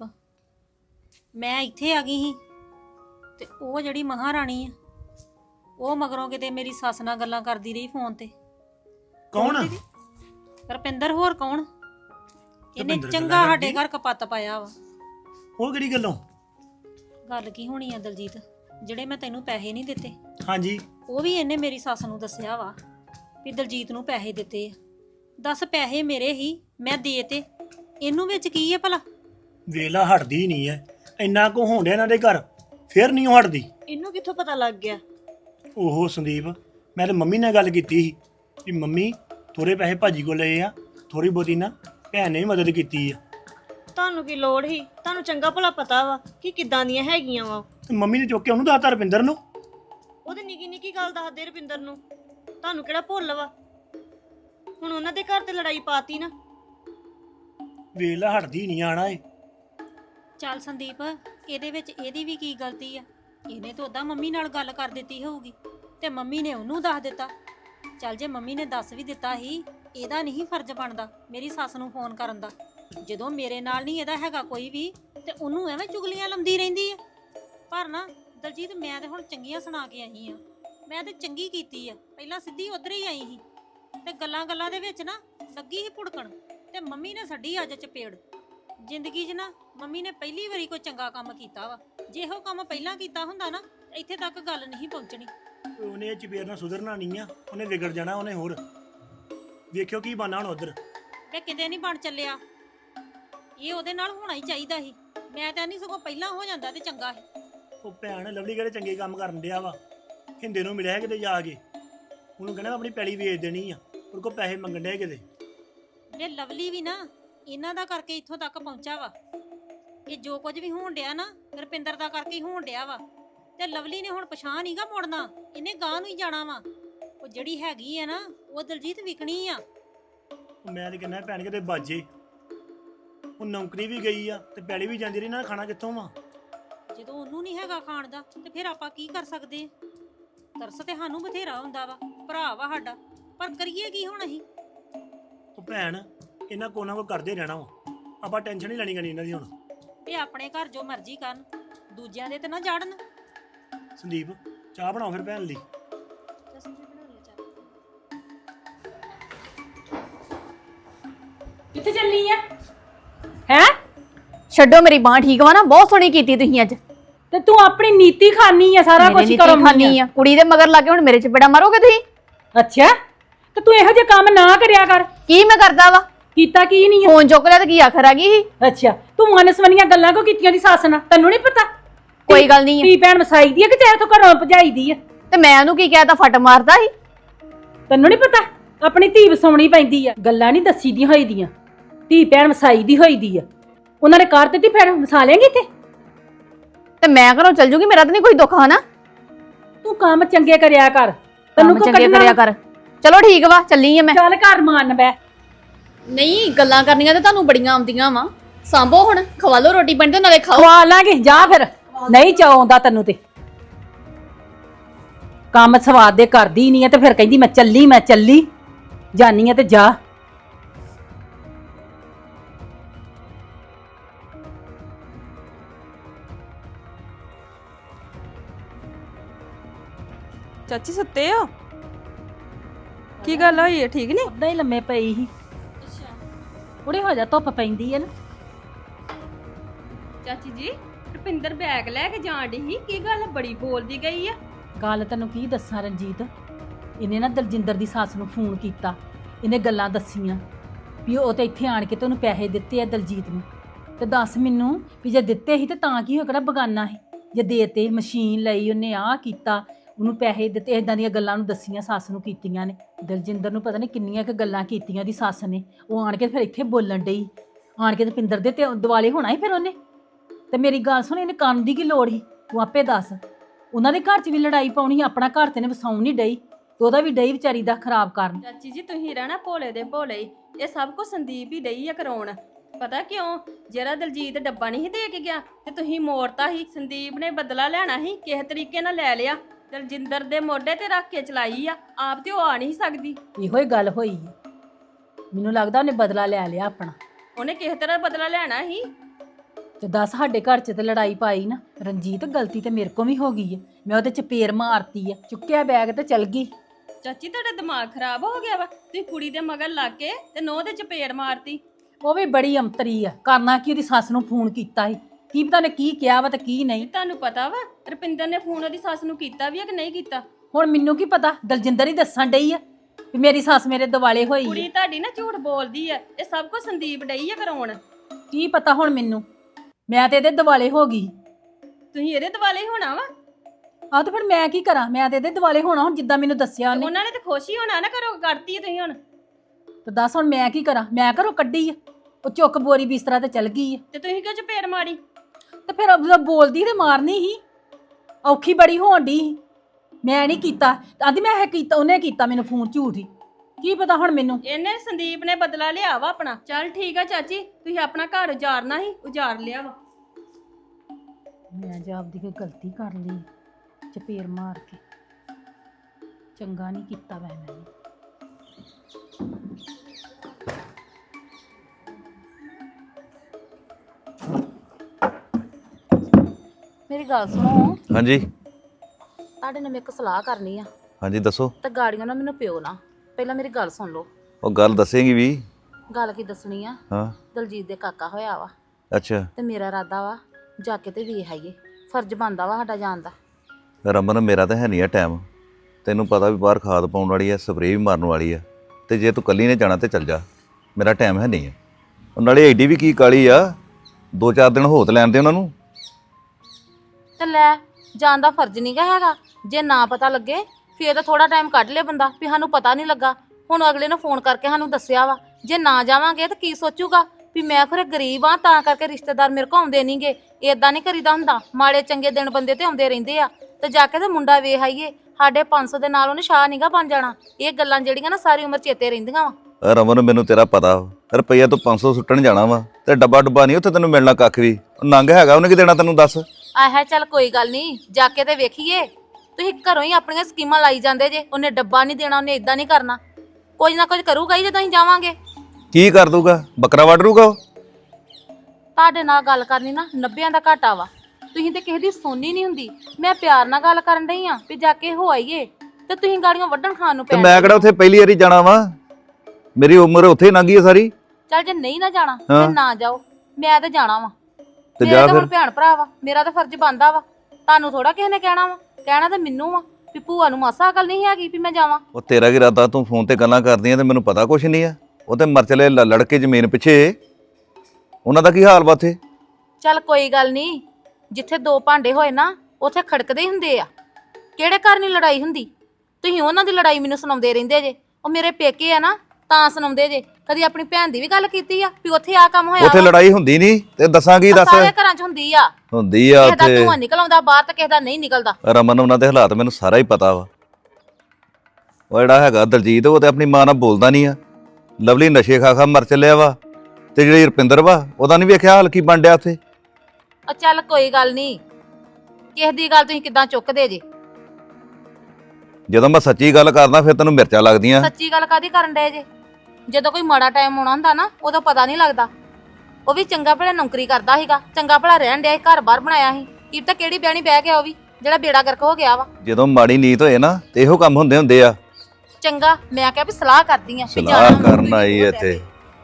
B: ਮੈਂ ਇੱਥੇ ਆ ਗਈ ਸੀ ਤੇ ਉਹ ਜਿਹੜੀ ਮਹਾਰਾਣੀ ਆ ਉਹ ਮਗਰੋਂ ਕਿਤੇ ਮੇਰੀ ਸੱਸ ਨਾਲ ਗੱਲਾਂ ਕਰਦੀ ਰਹੀ ਫੋਨ ਤੇ।
G: ਕੌਣ?
B: ਰੁਪਿੰਦਰ, ਹੋਰ ਕੌਣ? ਇਹਨੇ
G: ਰੁਪਿੰਦਰ
B: ਚੰਗਾ
G: ਗੱਲਾਂ
B: ਸਾਡੇ
G: ਕਰਦੀ?
B: ਘਰ ਕਪੱਤ ਪਾਇਆ ਵਾ।
G: ਉਹ ਕਿਹੜੀ ਗੱਲੋਂ?
B: ਗੱਲ ਕੀ ਹੋਣੀ ਆ ਦਲਜੀਤ, ਜਿਹੜੇ ਮੈਂ ਤੈਨੂੰ ਪੈਸੇ ਨਹੀਂ ਦਿੱਤੇ
G: ਹਾਂਜੀ।
B: ਉਹ ਵੀ ਇਹਨੇ ਮੇਰੀ ਸੱਸ ਨੂੰ ਦੱਸਿਆ ਵਾ ਵੀ ਦਲਜੀਤ ਨੂੰ ਪੈਸੇ ਦਿੱਤੇ ਆ। ਦੱਸ ਪੈਸੇ ਮੇਰੇ ਹੀ, ਮੈਂ ਦੇ ਤੇ ਇਹਨੂੰ ਵਿੱਚ ਕੀ ਹੈ ਭਲਾ?
G: ਵੇਲਾ ਹਟਦੀ ਨਹੀਂ ਐ, ਇੰਨਾ ਕੁ ਹੋਣ ਡਿਆ ਇਹਨਾਂ ਦੇ ਘਰ, ਫਿਰ ਨਹੀਂ ਉਹ ਹਟਦੀ।
F: ਇਹਨੂੰ ਕਿੱਥੋਂ ਪਤਾ ਲੱਗ ਗਿਆ?
G: ਓਹੋ ਸੰਦੀਪ, ਮੈਂ ਤੇ ਮੰਮੀ ਨਾਲ ਗੱਲ ਕੀਤੀ ਸੀ ਵੀ ਮੰਮੀ ਥੋੜੇ ਪੈਸੇ ਭਾਜੀ ਕੋਲ ਲਏ ਆ, ਥੋੜੀ ਬਹੁਤੀ ਨਾ ਭੈਣ ਨੇ ਵੀ ਮਦਦ ਕੀਤੀ ਆ।
F: ਤੁਹਾਨੂੰ ਕੀ ਲੋੜ ਸੀ? ਤੁਹਾਨੂੰ ਚੰਗਾ ਭਲਾ ਪਤਾ ਵਾ ਕਿ ਕਿੱਦਾਂ ਦੀਆਂ ਹੈਗੀਆਂ ਵਾ।
G: ਤੇ ਮੰਮੀ ਨੇ ਚੁੱਕ ਕੇ ਉਹਨੂੰ ਦੱਸਤਾ ਰੁਪਿੰਦਰ ਨੂੰ।
F: ਉਹਦੇ ਨਿੱਕੀ ਨਿੱਕੀ ਗੱਲ ਦੱਸਦੇ ਰੁਪਿੰਦਰ ਨੂੰ, ਤੁਹਾਨੂੰ ਕਿਹੜਾ ਭੁੱਲ ਵਾ? ਹੁਣ ਉਹਨਾਂ ਦੇ ਘਰ ਤੇ ਲੜਾਈ ਪਾਤੀ ਨਾ।
G: ਵੇਲਾ ਹਟਦੀ ਨਹੀਂ ਆਣਾ ਏ।
B: ਚੱਲ ਸੰਦੀਪ, ਇਹਦੇ ਵਿੱਚ ਇਹਦੀ ਵੀ ਕੀ ਗਲਤੀ ਆ? ਇਹਨੇ ਤਾਂ ਉਦਾਂ ਮੰਮੀ ਨਾਲ ਗੱਲ ਕਰ ਦਿੱਤੀ ਹੋਊਗੀ ਤੇ ਮੰਮੀ ਨੇ ਉਹਨੂੰ ਦੱਸ ਦਿੱਤਾ। ਚੱਲ ਜੇ ਮੰਮੀ ਨੇ ਦੱਸ ਵੀ ਦਿੱਤਾ ਸੀ, ਇਹਦਾ ਨਹੀਂ ਫਰਜ਼ ਬਣਦਾ ਮੇਰੀ ਸੱਸ ਨੂੰ ਫੋਨ ਕਰਨ ਦਾ। ਜਦੋਂ ਮੇਰੇ ਨਾਲ ਨਹੀਂ ਇਹਦਾ ਹੈਗਾ ਕੋਈ ਵੀ, ਤੇ ਉਹਨੂੰ ਐਵੇਂ ਚੁਗਲੀਆਂ ਲਾਉਂਦੀ ਰਹਿੰਦੀ ਆ। ਪਰ ਨਾ ਦਲਜੀਤ, ਮੈਂ ਤੇ ਹੁਣ ਚੰਗੀਆਂ ਸੁਣਾ ਕੇ ਆਈ ਆ। ਮੈਂ ਤੇ ਚੰਗੀ ਕੀਤੀ ਆ, ਪਹਿਲਾਂ ਸਿੱਧੀ ਉਧਰ ਹੀ ਆਈ ਸੀ ਤੇ ਗੱਲਾਂ ਦੇ ਵਿੱਚ ਨਾ ਲੱਗੀ ਸੀ ਭੁੜਕਣ, ਤੇ ਮੰਮੀ ਨੇ ਛੱਡੀ ਅੱਜ ਚਪੇੜ। ਜ਼ਿੰਦਗੀ 'ਚ ਨਾ ਮੰਮੀ ਨੇ ਪਹਿਲੀ ਵਾਰੀ ਕੋਈ ਚੰਗਾ ਕੰਮ ਕੀਤਾ ਵਾ। ਜੇ ਇਹੋ ਕੰਮ ਪਹਿਲਾਂ ਕੀਤਾ ਹੁੰਦਾ ਨਾ, ਇੱਥੇ ਤੱਕ ਗੱਲ ਨਹੀਂ ਪਹੁੰਚਣੀ।
G: ਉਹਨੇ ਇਹ ਚਪੇੜ ਨਾਲ ਸੁਧਰਨਾ ਨਹੀਂ ਆ, ਉਹਨੇ ਵਿਗੜ ਜਾਣਾ ਉਹਨੇ। ਹੋਰ ਵੇਖਿਓ ਕੀ ਬਣਨਾ ਹੁਣ ਉਧਰ।
B: ਤੇ ਕਿਤੇ ਨਹੀਂ ਬਣ ਚੱਲਿਆ, ਇਹ ਉਹਦੇ ਨਾਲ ਹੋਣਾ ਹੀ ਚਾਹੀਦਾ ਸੀ। ਮੈਂ ਤਾਂ ਨਹੀਂ, ਸਗੋਂ ਪਹਿਲਾਂ ਹੋ ਜਾਂਦਾ ਤੇ ਚੰਗਾ ਸੀ।
G: ਉਹ ਭੈਣ ਲਵਲੀ ਕਿਹੜੇ ਚੰਗੇ ਕੰਮ ਕਰਨ ਡਿਆ ਵਾ, ਹਿੰਦੇ ਨੂੰ ਮਿਲਿਆ ਕਿਤੇ ਜਾ ਕੇ, ਉਹਨੂੰ ਕਹਿੰਦਾ ਆਪਣੀ ਪੈਲੀ ਵੇਚ ਦੇਣੀ ਆ, ਉਹਦੇ ਕੋਲ ਪੈਸੇ ਮੰਗਣ ਡਿਆ ਕਿਤੇ।
B: ਜੇ ਲਵਲੀ ਵੀ ਨਾ ਇਹਨਾਂ ਦਾ ਕਰਕੇ ਇੱਥੋਂ ਤੱਕ ਪਹੁੰਚਾ ਵਾ। ਇਹ ਜੋ ਕੁਝ ਵੀ ਹੋਣ ਡਿਆ ਨਾ ਰੁਪਿੰਦਰ ਦਾ ਕਰਕੇ ਹੀ ਹੋਣ ਡਿਆ ਵਾ। ਤੇ ਲਵਲੀ ਨੇ ਹੁਣ ਪਛਾਣ ਨਹੀਂਗਾ ਮੁੜਨਾ, ਇਹਨੇ ਗਾਂ ਨੂੰ ਹੀ ਜਾਣਾ ਵਾ। ਉਹ ਜਿਹੜੀ ਹੈਗੀ ਆ ਨਾ, ਉਹ ਦਲਜੀਤ ਵਿਕਣੀ ਆ।
G: ਮੈਂ ਤੇ ਕਹਿੰਦਾ ਭੈਣ ਕਿਤੇ ਬਾਜੇ, ਉਹ ਨੌਕਰੀ ਵੀ ਗਈ ਆ ਤੇ ਪੈਲੀ ਵੀ ਜਾਂਦੀ ਰਹੀ, ਨਾ ਖਾਣਾ ਕਿੱਥੋਂ ਵਾ?
B: ਜਦੋਂ ਉਹਨੂੰ ਨਹੀਂ ਹੈਗਾ ਖਾਣ ਦਾ ਤੇ ਫਿਰ ਆਪਾਂ ਕੀ ਕਰ ਸਕਦੇ ਆ? ਤਰਸ ਤੇ ਸਾਨੂੰ ਬਥੇਰਾ ਹੁੰਦਾ ਵਾ, ਭਰਾ ਵਾ ਸਾਡਾ, ਪਰ ਕਰੀਏ ਕੀ ਹੁਣ ਅਸੀਂ?
G: ਉਹ ਭੈਣ ਇਹਨਾਂ ਕੋਨਾ ਕੋ ਕਰਦੇ ਰਹਿਣਾ ਵਾ, ਆਪਾਂ ਟੈਨਸ਼ਨ ਨਹੀਂ ਲੈਣੀ ਕਰਨੀ ਇਹਨਾਂ ਦੀ ਹੁਣ।
B: ਇਹ ਆਪਣੇ ਘਰ ਜੋ ਮਰਜ਼ੀ ਕਰਨ, ਦੂਜਿਆਂ ਦੇ ਤੇ ਨਾ ਜੜਨ।
G: ਸੰਦੀਪ ਚਾਹ ਬਣਾਓ ਫਿਰ ਭੈਣ ਲਈ।
C: ਕਿੱਥੇ ਚੱਲੀ ਆ? ਹੈ
D: ਛੱਡੋ ਮੇਰੀ ਬਾਂਹ, ਠੀਕ ਵਾ ਨਾ? ਬਹੁਤ ਸੋਹਣੀ ਕੀਤੀ ਤੁਸੀਂ ਅੱਜ।
C: ਤੇ ਤੂੰ ਆਪਣੀ ਨੀਤੀ ਖਾਨੀ ਆ, ਸਾਰਾ ਕੁਝ ਕਰਮ
D: ਖਾਨੀ ਆ। ਕੁੜੀ ਦੇ ਮਗਰ ਲੱਗ ਕੇ ਹੁਣ ਮੇਰੇ ਚਪੇੜਾ ਮਾਰੋਗੇ ਤੁਸੀਂ?
C: ਅੱਛਾ, ਤੇ ਤੂੰ ਇਹੋ ਜਿਹੇ ਕੰਮ ਨਾ ਕਰਿਆ ਕਰ।
D: ਕੀ ਮੈਂ ਕਰਦਾ ਵਾ?
C: ਕੀਤਾ ਕੀ ਨਹੀਂ ਆ?
D: ਫੋਨ ਚੁੱਕ ਲਿਆ ਤੇ ਕੀ ਆਖਰ ਆ ਗਈ ਸੀ?
C: ਅੱਛਾ, ਤੂੰ ਮਨਸਵਨੀਆਂ ਗੱਲਾਂ ਕੋ ਕੀਤੀਆਂ ਦੀ ਸੱਸ ਨਾਲ? ਤੈਨੂੰ ਨਹੀਂ ਪਤਾ?
D: ਕੋਈ ਗੱਲ ਨਹੀਂ।
C: ਧੀ ਭੈਣ ਵਸਾਈ ਦੀ ਆ ਕਿ ਚਾਹੇ ਤੂੰ ਘਰੋਂ ਭਜਾਈ ਦੀ ਆ?
D: ਤੇ ਮੈਂ ਉਹਨੂੰ ਕੀ ਕਹਿਤਾ? ਫਟ ਮਾਰਦਾ ਸੀ?
C: ਤੈਨੂੰ ਨਹੀਂ ਪਤਾ ਆਪਣੀ ਧੀ ਵਸਾਉਣੀ ਪੈਂਦੀ ਆ, ਗੱਲਾਂ ਨਹੀਂ ਦੱਸੀ ਦੀਆਂ ਹੋਈ ਦੀਆਂ। ਧੀ ਭੈਣ ਵਸਾਈ ਦੀ ਹੋਈ ਦੀ ਆ, ਉਹਨਾਂ ਨੇ ਕਰ ਦਿੱਤੀ, ਫਿਰ ਵਸਾ ਲੇਂਗੀ ਤੇ
D: ਮੈਂ ਘਰੋਂ ਚੱਲ ਜੂਗੀ, ਮੇਰਾ ਤਾਂ ਨਹੀਂ ਕੋਈ ਦੁੱਖ ਹਨਾ।
C: ਤੂੰ ਕੰਮ ਚੰਗੇ ਕਰਿਆ ਕਰ,
D: ਤੈਨੂੰ ਚੰਗੇ ਕਰਿਆ ਕਰ। ਚਲੋ ਠੀਕ ਵਾ, ਚੱਲੀ ਆ ਮੈਂ।
C: ਚੱਲ ਘਰ ਮਾਨ ਬੈ।
D: ਨਹੀਂ, ਗੱਲਾਂ ਕਰਨੀਆਂ ਤੇ ਤੁਹਾਨੂੰ ਬੜੀਆਂ ਆਉਂਦੀਆਂ ਵਾ। ਸਾਂਭੋ ਹੁਣ, ਖਵਾ ਲਓ ਰੋਟੀ ਪਾਣੀ ਤੇ ਨਾਲੇ ਖਾਓ।
C: ਖਵਾ ਲਾਂਗੇ, ਜਾ ਫਿਰ। ਨਹੀਂ ਚਾਉਂਦਾ ਤੈਨੂੰ ਤੇ। ਕੰਮ ਸਵਾਦ ਦੇ ਕਰਦੀ ਨਹੀਂ ਆ ਤੇ ਫਿਰ ਕਹਿੰਦੀ ਮੈਂ ਚੱਲੀ ਜਾਨੀ ਆ ਤੇ ਜਾ।
E: ਚਾਚੀ ਸੁੱਤੇ ਹੋ? ਕੀ ਗੱਲ ਹੋਈ ਹੈ? ਠੀਕ ਨਹੀਂ?
C: ਉਦਾਂ ਹੀ ਲੰਮੇ ਪਈ ਸੀ। ਉੜੇ ਹੋ ਜਾ, ਧੁੱਪ ਪੈਂਦੀ ਆ ਨਾ।
E: ਚਾਚੀ ਜੀ ਰੁਪਿੰਦਰ ਬੈਗ ਲੈ ਕੇ ਜਾਣ ਡਈ ਸੀ, ਕੀ ਗੱਲ ਬੜੀ ਬੋਲਦੀ ਗਈ ਆ?
C: ਗੱਲ ਤੈਨੂੰ ਕੀ ਦੱਸਾਂ ਰਣਜੀਤ, ਇਹਨੇ ਨਾ ਦਲਜਿੰਦਰ ਦੀ ਸੱਸ ਨੂੰ ਫੋਨ ਕੀਤਾ, ਇਹਨੇ ਗੱਲਾਂ ਦੱਸੀਆਂ ਵੀ ਉਹ ਤੇ ਇੱਥੇ ਆਣ ਕੇ ਤੈਨੂੰ ਪੈਸੇ ਦਿੱਤੇ ਆ ਦਲਜੀਤ ਨੂੰ। ਤੇ ਦੱਸ ਮੈਨੂੰ ਵੀ ਜੇ ਦਿੱਤੇ ਸੀ ਤੇ ਤਾਂ ਕੀ ਹੋ ਕਿਹੜਾ ਬਗਾਨਾ ਸੀ? ਜੇ ਦੇਤੇ, ਮਸ਼ੀਨ ਲਈ ਉਹਨੇ, ਆਹ ਕੀਤਾ, ਉਹਨੂੰ ਪੈਸੇ ਦਿੱਤੇ, ਇਦਾਂ ਦੀਆਂ ਗੱਲਾਂ ਨੂੰ ਦੱਸੀਆਂ ਸੱਸ ਨੂੰ ਕੀਤੀਆਂ ਨੇ। ਦਲਜਿੰਦਰ ਨੂੰ ਪਤਾ ਨਹੀਂ ਕਿੰਨੀਆਂ ਕੁ ਗੱਲਾਂ ਕੀਤੀਆਂ ਦੀ ਸੱਸ ਨੇ। ਉਹ ਆਣ ਕੇ ਫਿਰ ਇੱਥੇ ਬੋਲਣ ਡਈ, ਆਣ ਕੇ ਤੇ ਪਿੰਦਰ ਦੇ ਤੇ ਦਿਵਾਲੇ ਹੋਣਾ ਸੀ ਫਿਰ ਉਹਨੇ। ਤੇ ਮੇਰੀ ਗੱਲ ਸੁਣ, ਇਹਨੇ ਕੰਨ ਦੀ ਕੀ ਲੋੜ ਸੀ? ਤੂੰ ਆਪੇ ਦੱਸ। ਉਹਨਾਂ ਦੇ ਘਰ 'ਚ ਵੀ ਲੜਾਈ ਪਾਉਣੀ, ਆਪਣਾ ਘਰ ਤੇ ਨੇ ਵਸਾਉਣ ਨਹੀਂ ਡਈ, ਤੇ ਉਹਦਾ ਵੀ ਡਈ ਵਿਚਾਰੀ ਦਾ ਖਰਾਬ ਕਰਨ।
E: ਚਾਚੀ ਜੀ ਤੁਸੀਂ ਰਹਿਣਾ ਭੋਲੇ ਦੇ ਭੋਲੇ ਹੀ, ਇਹ ਸਭ ਕੁਝ ਸੰਦੀਪ ਹੀ ਡਈ ਆ ਕਰਾਉਣ। ਪਤਾ ਕਿਉਂ? ਜਿਹੜਾ ਦਲਜੀਤ ਡੱਬਾ ਨਹੀਂ ਦੇ ਕੇ ਗਿਆ ਤੇ ਤੁਸੀਂ ਮੋੜਤਾ ਸੀ, ਸੰਦੀਪ ਨੇ ਬਦਲਾ ਲੈਣਾ ਸੀ, ਕਿਸੇ ਤਰੀਕੇ ਨਾਲ ਲੈ ਲਿਆ। ਦਲਜਿੰਦਰ ਦੇ ਮੋਢੇ ਤੇ ਰੱਖ ਕੇ ਚਲਾਈ ਆ, ਆਪ ਤੇ ਉਹ ਆ ਨਹੀਂ ਸਕਦੀ।
C: ਇਹੋ ਹੀ ਗੱਲ ਹੋਈ ਹੈ। ਮੈਨੂੰ ਲੱਗਦਾ ਉਹਨੇ ਬਦਲਾ ਲੈ ਲਿਆ ਆਪਣਾ।
E: ਉਹਨੇ ਕਿਸੇ ਤਰ੍ਹਾਂ ਬਦਲਾ ਲੈਣਾ ਸੀ।
C: ਤੇ ਦੱਸ, ਸਾਡੇ ਘਰ 'ਚ ਤੇ ਲੜਾਈ ਪਾਈ ਨਾ ਰਣਜੀਤ, ਗਲਤੀ ਤੇ ਮੇਰੇ ਕੋਲ ਵੀ ਹੋ ਗਈ ਹੈ। ਮੈਂ ਉਹਦੇ ਚਪੇੜ ਮਾਰਤੀ ਆ, ਚੁੱਕਿਆ ਬੈਗ ਤੇ ਚਲ ਗਈ।
E: ਚਾਚੀ ਤੁਹਾਡਾ ਦਿਮਾਗ ਖਰਾਬ ਹੋ ਗਿਆ ਵਾ, ਤੁਸੀਂ ਕੁੜੀ ਦੇ ਮਗਰ ਲੱਗ ਕੇ ਤੇ ਨੋਹ ਦੇ ਚਪੇੜ ਮਾਰਤੀ।
C: ਉਹ ਵੀ ਬੜੀ ਅੰਤਰੀ ਆ, ਕਰਨਾ ਕੀ, ਉਹਦੀ ਸੱਸ ਨੂੰ ਫੋਨ ਕੀਤਾ ਸੀ, ਕੀ ਪਤਾ ਉਹਨੇ ਕੀ ਕਿਹਾ ਵਾ ਤੇ ਕੀ ਨਹੀਂ।
E: ਤੁਹਾਨੂੰ ਪਤਾ ਵਾ ਰੁਪਿੰਦਰ ਨੇ ਫੋਨ ਉਹਦੀ ਸੱਸ ਨੂੰ ਕੀਤਾ ਵੀ ਆ ਕਿ ਨਹੀਂ ਕੀਤਾ?
C: ਹੁਣ ਮੈਨੂੰ ਕੀ ਪਤਾ, ਦਲਜਿੰਦਰ ਹੀ ਦੱਸਣ ਡਈ ਆ ਵੀ ਮੇਰੀ ਸੱਸ ਮੇਰੇ ਦਿਵਾਲੇ ਹੋਈ
E: ਕੁੜੀ
C: ਹੈ।
E: ਤੁਹਾਡੀ ਨਾ ਝੂਠ ਬੋਲਦੀ ਆ, ਇਹ ਸਭ ਕੁਝ ਸੰਦੀਪ ਡਈ ਆ ਕਰਾਉਣ।
C: ਕੀ ਪਤਾ ਹੁਣ ਮੈਨੂੰ, ਮੈਂ ਤੇ ਇਹਦੇ ਦਿਵਾਲੇ ਹੋ ਗਈ।
E: ਤੁਸੀਂ ਇਹਦੇ ਦਿਵਾਲੇ ਹੋਣਾ ਵਾ।
C: ਆਹ ਤੇ ਫਿਰ ਮੈਂ ਕੀ ਕਰਾਂ, ਮੈਂ ਤੇ ਇਹਦੇ ਦਿਵਾਲੇ ਹੋਣਾ ਹੁਣ, ਜਿੱਦਾਂ ਮੈਨੂੰ ਦੱਸਿਆ ਉਹਨੇ।
E: ਉਹਨਾਂ ਨੇ ਤੇ ਖੁਸ਼ੀ ਹੋਣਾ ਨਾ, ਕਰੋ ਕੱਢਤੀ ਤੁਸੀਂ ਹੁਣ।
C: ਤੇ ਦੱਸ ਹੁਣ ਮੈਂ ਕੀ ਕਰਾਂ, ਮੈਂ ਘਰੋਂ ਕੱਢੀ ਆ, ਉਹ ਚੁੱਕ ਬੋਰੀ ਬਿਸਤਰਾ ਤੇ ਚਲ ਗਈ ਆ।
E: ਤੇ ਤੁਸੀਂ ਕਿਉਂ ਚਪੇੜ ਮਾਰੀ?
C: ਤੇ ਫਿਰ ਉਹ ਬੋਲਦੀ ਤੇ ਮਾਰਨੀ ਸੀ, ਔਖੀ ਬੜੀ ਹੋਣ ਡਈ ਸੀ। ਮੈਂ ਨਹੀਂ ਕੀਤਾ, ਆਂਦੀ ਮੈਂ ਇਹ ਕੀਤਾ, ਉਹਨੇ ਕੀਤਾ ਮੈਨੂੰ ਫੋਨ, ਝੂਠ ਹੀ। ਕੀ ਪਤਾ ਹੁਣ ਮੈਨੂੰ।
E: ਇਹਨੇ ਸੰਦੀਪ ਨੇ ਬਦਲਾ ਲਿਆ ਵਾ ਆਪਣਾ। ਚੱਲ ਠੀਕ ਆ ਚਾਚੀ, ਤੁਸੀਂ ਆਪਣਾ ਘਰ ਉਜਾੜਨਾ ਸੀ, ਉਜਾੜ ਲਿਆ ਵਾ।
C: ਮੈਂ ਜਾਪਦੀ ਕੋਈ ਗਲਤੀ ਕਰ ਲਈ, ਚਪੇੜ ਮਾਰ ਕੇ। ਚੰਗਾ ਨਹੀਂ ਕੀਤਾ ਵੈ ਮੈਂ।
I: ਮੇਰੀ ਗੱਲ ਸੁਣੋ।
J: ਹਾਂਜੀ
I: ਤੁਹਾਡੇ ਨਾਲ ਮੈਂ ਇੱਕ ਸਲਾਹ ਕਰਨੀ ਆ।
J: ਹਾਂਜੀ ਦੱਸੋ।
I: ਤੇ ਗਾੜੀਆਂ ਨਾ ਮੈਨੂੰ ਪਿਓ ਨਾ, ਪਹਿਲਾਂ ਮੇਰੀ ਗੱਲ ਸੁਣ ਲਓ।
J: ਉਹ ਗੱਲ ਦੱਸੇਗੀ ਵੀ?
I: ਗੱਲ ਕੀ ਦੱਸਣੀ ਆ?
J: ਹਾਂ
I: ਦਲਜੀਤ ਦੇ ਕਾਕਾ ਹੋਇਆ ਵਾ,
J: ਅੱਛਾ।
I: ਤੇ ਮੇਰਾ ਇਰਾਦਾ ਵਾ ਜਾ ਕੇ ਤੇ ਵੇਖ ਆਈਏ, ਫਰਜ਼ ਬਣਦਾ ਵਾ ਸਾਡਾ ਜਾਣ ਦਾ।
J: ਰਮਨ ਮੇਰਾ ਤਾਂ ਹੈ ਨਹੀਂ ਆ ਟਾਈਮ, ਤੈਨੂੰ ਪਤਾ ਵੀ ਬਾਹਰ ਖਾਦ ਪਾਉਣ ਵਾਲੀ ਆ, ਸਪਰੇਅ ਵੀ ਮਾਰਨ ਵਾਲੀ ਆ, ਤੇ ਜੇ ਤੂੰ ਕੱਲੀ ਨੇ ਜਾਣਾ ਤੇ ਚੱਲ ਜਾ, ਮੇਰਾ ਟਾਈਮ ਹੈ ਨਹੀਂ ਆ। ਉਹ ਨਾਲੇ ਐਡੀ ਵੀ ਕੀ ਕਾਲੀ ਆ, 2-4 ਦਿਨ ਹੋਤ ਲੈਣ ਦੇ ਉਹਨਾਂ ਨੂੰ।
I: ਤੇ ਲੈ, ਜਾਣ ਦਾ ਫਰਜ਼ ਨਹੀਂਗਾ ਹੈਗਾ। ਜੇ ਨਾ ਪਤਾ ਲੱਗੇ ਫੇਰ ਤਾਂ ਥੋੜਾ ਟਾਈਮ ਕੱਢ ਲਿਆ ਬੰਦਾ ਵੀ ਸਾਨੂੰ ਪਤਾ ਨਹੀਂ ਲੱਗਾ। ਹੁਣ ਅਗਲੇ ਨੇ ਫੋਨ ਕਰਕੇ ਸਾਨੂੰ ਦੱਸਿਆ ਵਾ, ਜੇ ਨਾ ਜਾਵਾਂਗੇ ਤਾਂ ਕੀ ਸੋਚੂਗਾ ਵੀ ਮੈਂ ਫਿਰ ਗਰੀਬ ਆ ਤਾਂ ਕਰਕੇ ਰਿਸ਼ਤੇਦਾਰ ਮੇਰੇ ਕੋਲ ਆਉਂਦੇ ਨਹੀਂਗੇ। ਇਦਾਂ ਨਹੀਂ ਕਰੀਦਾ ਹੁੰਦਾ, ਮਾੜੇ ਚੰਗੇ ਦਿਨ ਬੰਦੇ ਤੇ ਆਉਂਦੇ ਰਹਿੰਦੇ ਆ। ਤੇ ਜਾ ਕੇ ਤੇ ਮੁੰਡਾ ਵੇਖ ਆਈਏ, ਸਾਡੇ 500 ਦੇ ਨਾਲ ਉਹਨੇ ਸ਼ਾਹ ਨਹੀਂਗਾ ਬਣ ਜਾਣਾ। ਇਹ ਗੱਲਾਂ ਜਿਹੜੀਆਂ ਨਾ ਸਾਰੀ ਉਮਰ ਚੇਤੇ ਰਹਿੰਦੀਆਂ ਵਾ।
J: ਰਮਨ ਮੈਨੂੰ ਤੇਰਾ ਪਤਾ ਰੁਪਈਆ ਤੂੰ 500 ਸੁੱਟਣ ਜਾਣਾ ਵਾ, ਤੇ ਡੱਬਾ ਨਹੀਂ ਉੱਥੇ ਤੈਨੂੰ ਮਿਲਣਾ ਕੱਖ ਵੀ। ਨੰਗ ਹੈਗਾ ਉਹਨੇ ਕੀ ਦੇਣਾ ਤੈਨੂੰ, ਦੱਸ।
I: ਆਹ ਚੱਲ ਕੋਈ ਗੱਲ ਨਹੀਂ, ਜਾ ਕੇ ਤੇ ਵੇਖੀਏ। ਤੁਸੀਂ ਘਰੋਂ ਹੀ ਆਪਣੀਆਂ ਸਕੀਮਾਂ ਲਾਈ ਜਾਂਦੇ ਜੇ, ਉਹਨੇ ਡੱਬਾ ਨਹੀਂ ਦੇਣਾ, ਉਹਨੇ ਇਦਾਂ ਨਹੀਂ ਕਰਨਾ। ਕੁਝ ਨਾ ਕੁਝ ਕਰੂਗਾ ਹੀ ਜਦੋਂ ਅਸੀਂ ਜਾਵਾਂਗੇ।
J: ਕੀ ਕਰ ਦੂਗਾ? ਬੱਕਰਾ ਵੱਢ ਰੂਗਾ ਉਹ?
I: ਤੁਹਾਡੇ ਨਾਲ ਗੱਲ ਕਰਨੀ ਨਾ 90 ਦਾ ਘਾਟਾ ਵਾ, ਤੁਸੀਂ ਤੇ ਕਿਸੇ ਦੀ ਸੁਣਨੀ ਨਹੀਂ ਹੁੰਦੀ। ਮੈਂ ਪਿਆਰ ਨਾਲ ਗੱਲ ਕਰਨ ਡਈ ਆ ਵੀ ਜਾ ਕੇ ਹੋ ਆਈਏ, ਤੇ ਤੁਸੀਂ ਗਾੜੀਆਂ ਵੱਢਣ ਖਾਣ ਨੂੰ
J: ਤੇ
I: ਪੈ
J: ਮੈਂ ਕਿਹੜਾ ਉੱਥੇ ਪਹਿਲੀ ਵਾਰੀ ਜਾਣਾ ਵਾ, ਮੇਰੀ ਉਮਰ ਉੱਥੇ ਲੰਘੀ ਆ ਸਾਰੀ।
I: ਚੱਲ ਜੇ ਨਹੀਂ ਨਾ ਜਾਣਾ ਤੇ ਨਾ ਜਾਓ, ਮੈਂ ਤੇ ਜਾਣਾ ਵਾ।
J: ਤੇ
I: ਮੇਰੇ
J: ਜਾ
I: ਤਾਂ
J: ਫਿਰ।
I: ਹੁਣ ਭੈਣ ਭਰਾ ਵਾ, ਮੇਰਾ ਤਾਂ ਫਰਜ਼ ਬਣਦਾ ਵਾ। ਤੁਹਾਨੂੰ ਥੋੜਾ ਕਿਸੇ ਨੇ ਕਹਿਣਾ ਵਾ, ਕਹਿਣਾ ਤੇ ਮੈਨੂੰ ਵਾ ਵੀ ਭੂਆ ਨੂੰ ਮਾਸਾ ਅਕਲ ਨਹੀਂ ਹੈਗੀ ਵੀ ਮੈਂ ਜਾਵਾਂ।
J: ਉਹ ਤੇਰਾ ਕੀ ਇਰਾਦਾ, ਤੂੰ ਫੋਨ ਤੇ ਗੱਲਾਂ ਕਰਦੀਆਂ ਤੇ ਮੈਨੂੰ ਪਤਾ ਕੁਛ ਨਹੀਂ ਆ। ਉਹ ਤੇ ਮਰਚਲੇ ਲੜ ਕੇ ਜ਼ਮੀਨ ਪਿੱਛੇ, ਉਹਨਾਂ ਦਾ ਕੀ ਹਾਲ ਵਾ ਉੱਥੇ?
I: ਚੱਲ ਕੋਈ ਗੱਲ ਨਹੀਂ, ਜਿੱਥੇ ਦੋ ਭਾਂਡੇ ਹੋਏ ਨਾ ਉੱਥੇ ਖੜਕਦੇ ਹੀ ਹੁੰਦੇ ਆ। ਕਿਹੜੇ ਘਰ ਨਹੀਂ ਲੜਾਈ ਹੁੰਦੀ? ਤੁਸੀਂ ਉਹਨਾਂ ਦੀ ਲੜਾਈ ਮੈਨੂੰ ਸੁਣਾਉਂਦੇ ਰਹਿੰਦੇ ਜੇ। ਉਹ ਮੇਰੇ ਪੇਕੇ ਆ ਨਾ ਤਾਂ ਸੁਣਾਉਂਦੇ ਜੇ। ਕਦੀ ਆਪਣੀ ਭੈਣ ਦੀ ਵੀ ਗੱਲ ਕੀਤੀ ਆ ਵੀ ਉੱਥੇ ਆ ਕੰਮ ਹੋਇਆ
J: ਉੱਥੇ
I: ਵਾ?
J: ਲੜਾਈ ਹੁੰਦੀ ਨਹੀਂ ਤੇ ਦੱਸਾਂਗੀ, ਦੱਸ।
I: ਸਾਰੇ ਘਰਾਂ 'ਚ ਹੁੰਦੀ ਆ,
J: ਹੁੰਦੀ ਆ
I: ਕਿਸੇ ਦਾ
J: ਉੱਥੇ।
I: ਧੂੰਆਂ ਨਿਕਲ ਆਉਂਦਾ ਬਾਹਰ ਤੇ ਕਿਸੇ ਦਾ ਨਹੀਂ ਨਿਕਲਦਾ।
J: ਰਮਨ ਉਹਨਾਂ ਦੇ ਹਾਲਾਤ ਮੈਨੂੰ ਸਾਰਾ ਹੀ ਪਤਾ ਵਾ। ਉਹ ਜਿਹੜਾ ਹੈਗਾ ਦਲਜੀਤ, ਉਹ ਤੇ ਆਪਣੀ ਮਾਂ ਨਾਲ ਬੋਲਦਾ ਨਹੀਂ ਆ। ਲਵਲੀ ਨਸ਼ੇ ਖਾ ਖਾ ਮਰ ਚੱਲਿਆ ਵਾ, ਤੇ ਜਿਹੜੀ ਰੁਪਿੰਦਰ ਵਾ ਉਹਦਾ ਨਹੀਂ ਵੇਖਿਆ ਹਾਲ ਕੀ ਬਣ ਡਿਆ ਉੱਥੇ।
I: ਚੱਲ ਕੋਈ ਗੱਲ ਨਹੀਂ, ਕਿਸੇ ਦੀ ਗੱਲ ਤੁਸੀਂ ਕਿੱਦਾਂ ਚੁੱਕਦੇ ਜੇ?
J: ਜਦੋਂ ਮੈਂ ਸੱਚੀ ਗੱਲ ਕਰਦਾ ਫਿਰ ਤੈਨੂੰ ਮਿਰਚਾਂ ਲੱਗਦੀਆਂ।
I: ਸੱਚੀ ਗੱਲ ਕਾਦੀ ਕਰਨ ਡਏ ਜੇ? ਜਦੋਂ ਕੋਈ ਮਾੜਾ ਟਾਈਮ ਆਉਣਾ ਹੁੰਦਾ ਨਾ ਉਦੋਂ ਪਤਾ ਨਹੀਂ ਲੱਗਦਾ। ਉਹ ਵੀ ਚੰਗਾ ਭਲਾ ਨੌਕਰੀ ਕਰਦਾ ਸੀਗਾ, ਚੰਗਾ ਭਲਾ ਰਹਿਣ ਡਿਆ ਸੀ, ਘਰ-ਬਾਰ ਬਣਾਇਆ ਸੀ। ਕੀ ਪਤਾ ਕਿਹੜੀ ਬਿਆਣੀ ਬਹਿ ਗਿਆ ਉਹ ਵੀ ਜਿਹੜਾ ਬੇੜਾ ਗਰਕ ਹੋ ਗਿਆ ਵਾ।
J: ਜਦੋਂ ਮਾੜੀ ਨੀਤ ਹੋਏ ਨਾ ਤੇ ਇਹੋ ਕੰਮ ਹੁੰਦੇ ਆ।
I: ਚੰਗਾ, ਮੈਂ ਕਿਹਾ ਵੀ ਸਲਾਹ ਕਰਦੀ ਆ।
J: ਸਲਾਹ ਕਰਨ ਆਈ ਇੱਥੇ,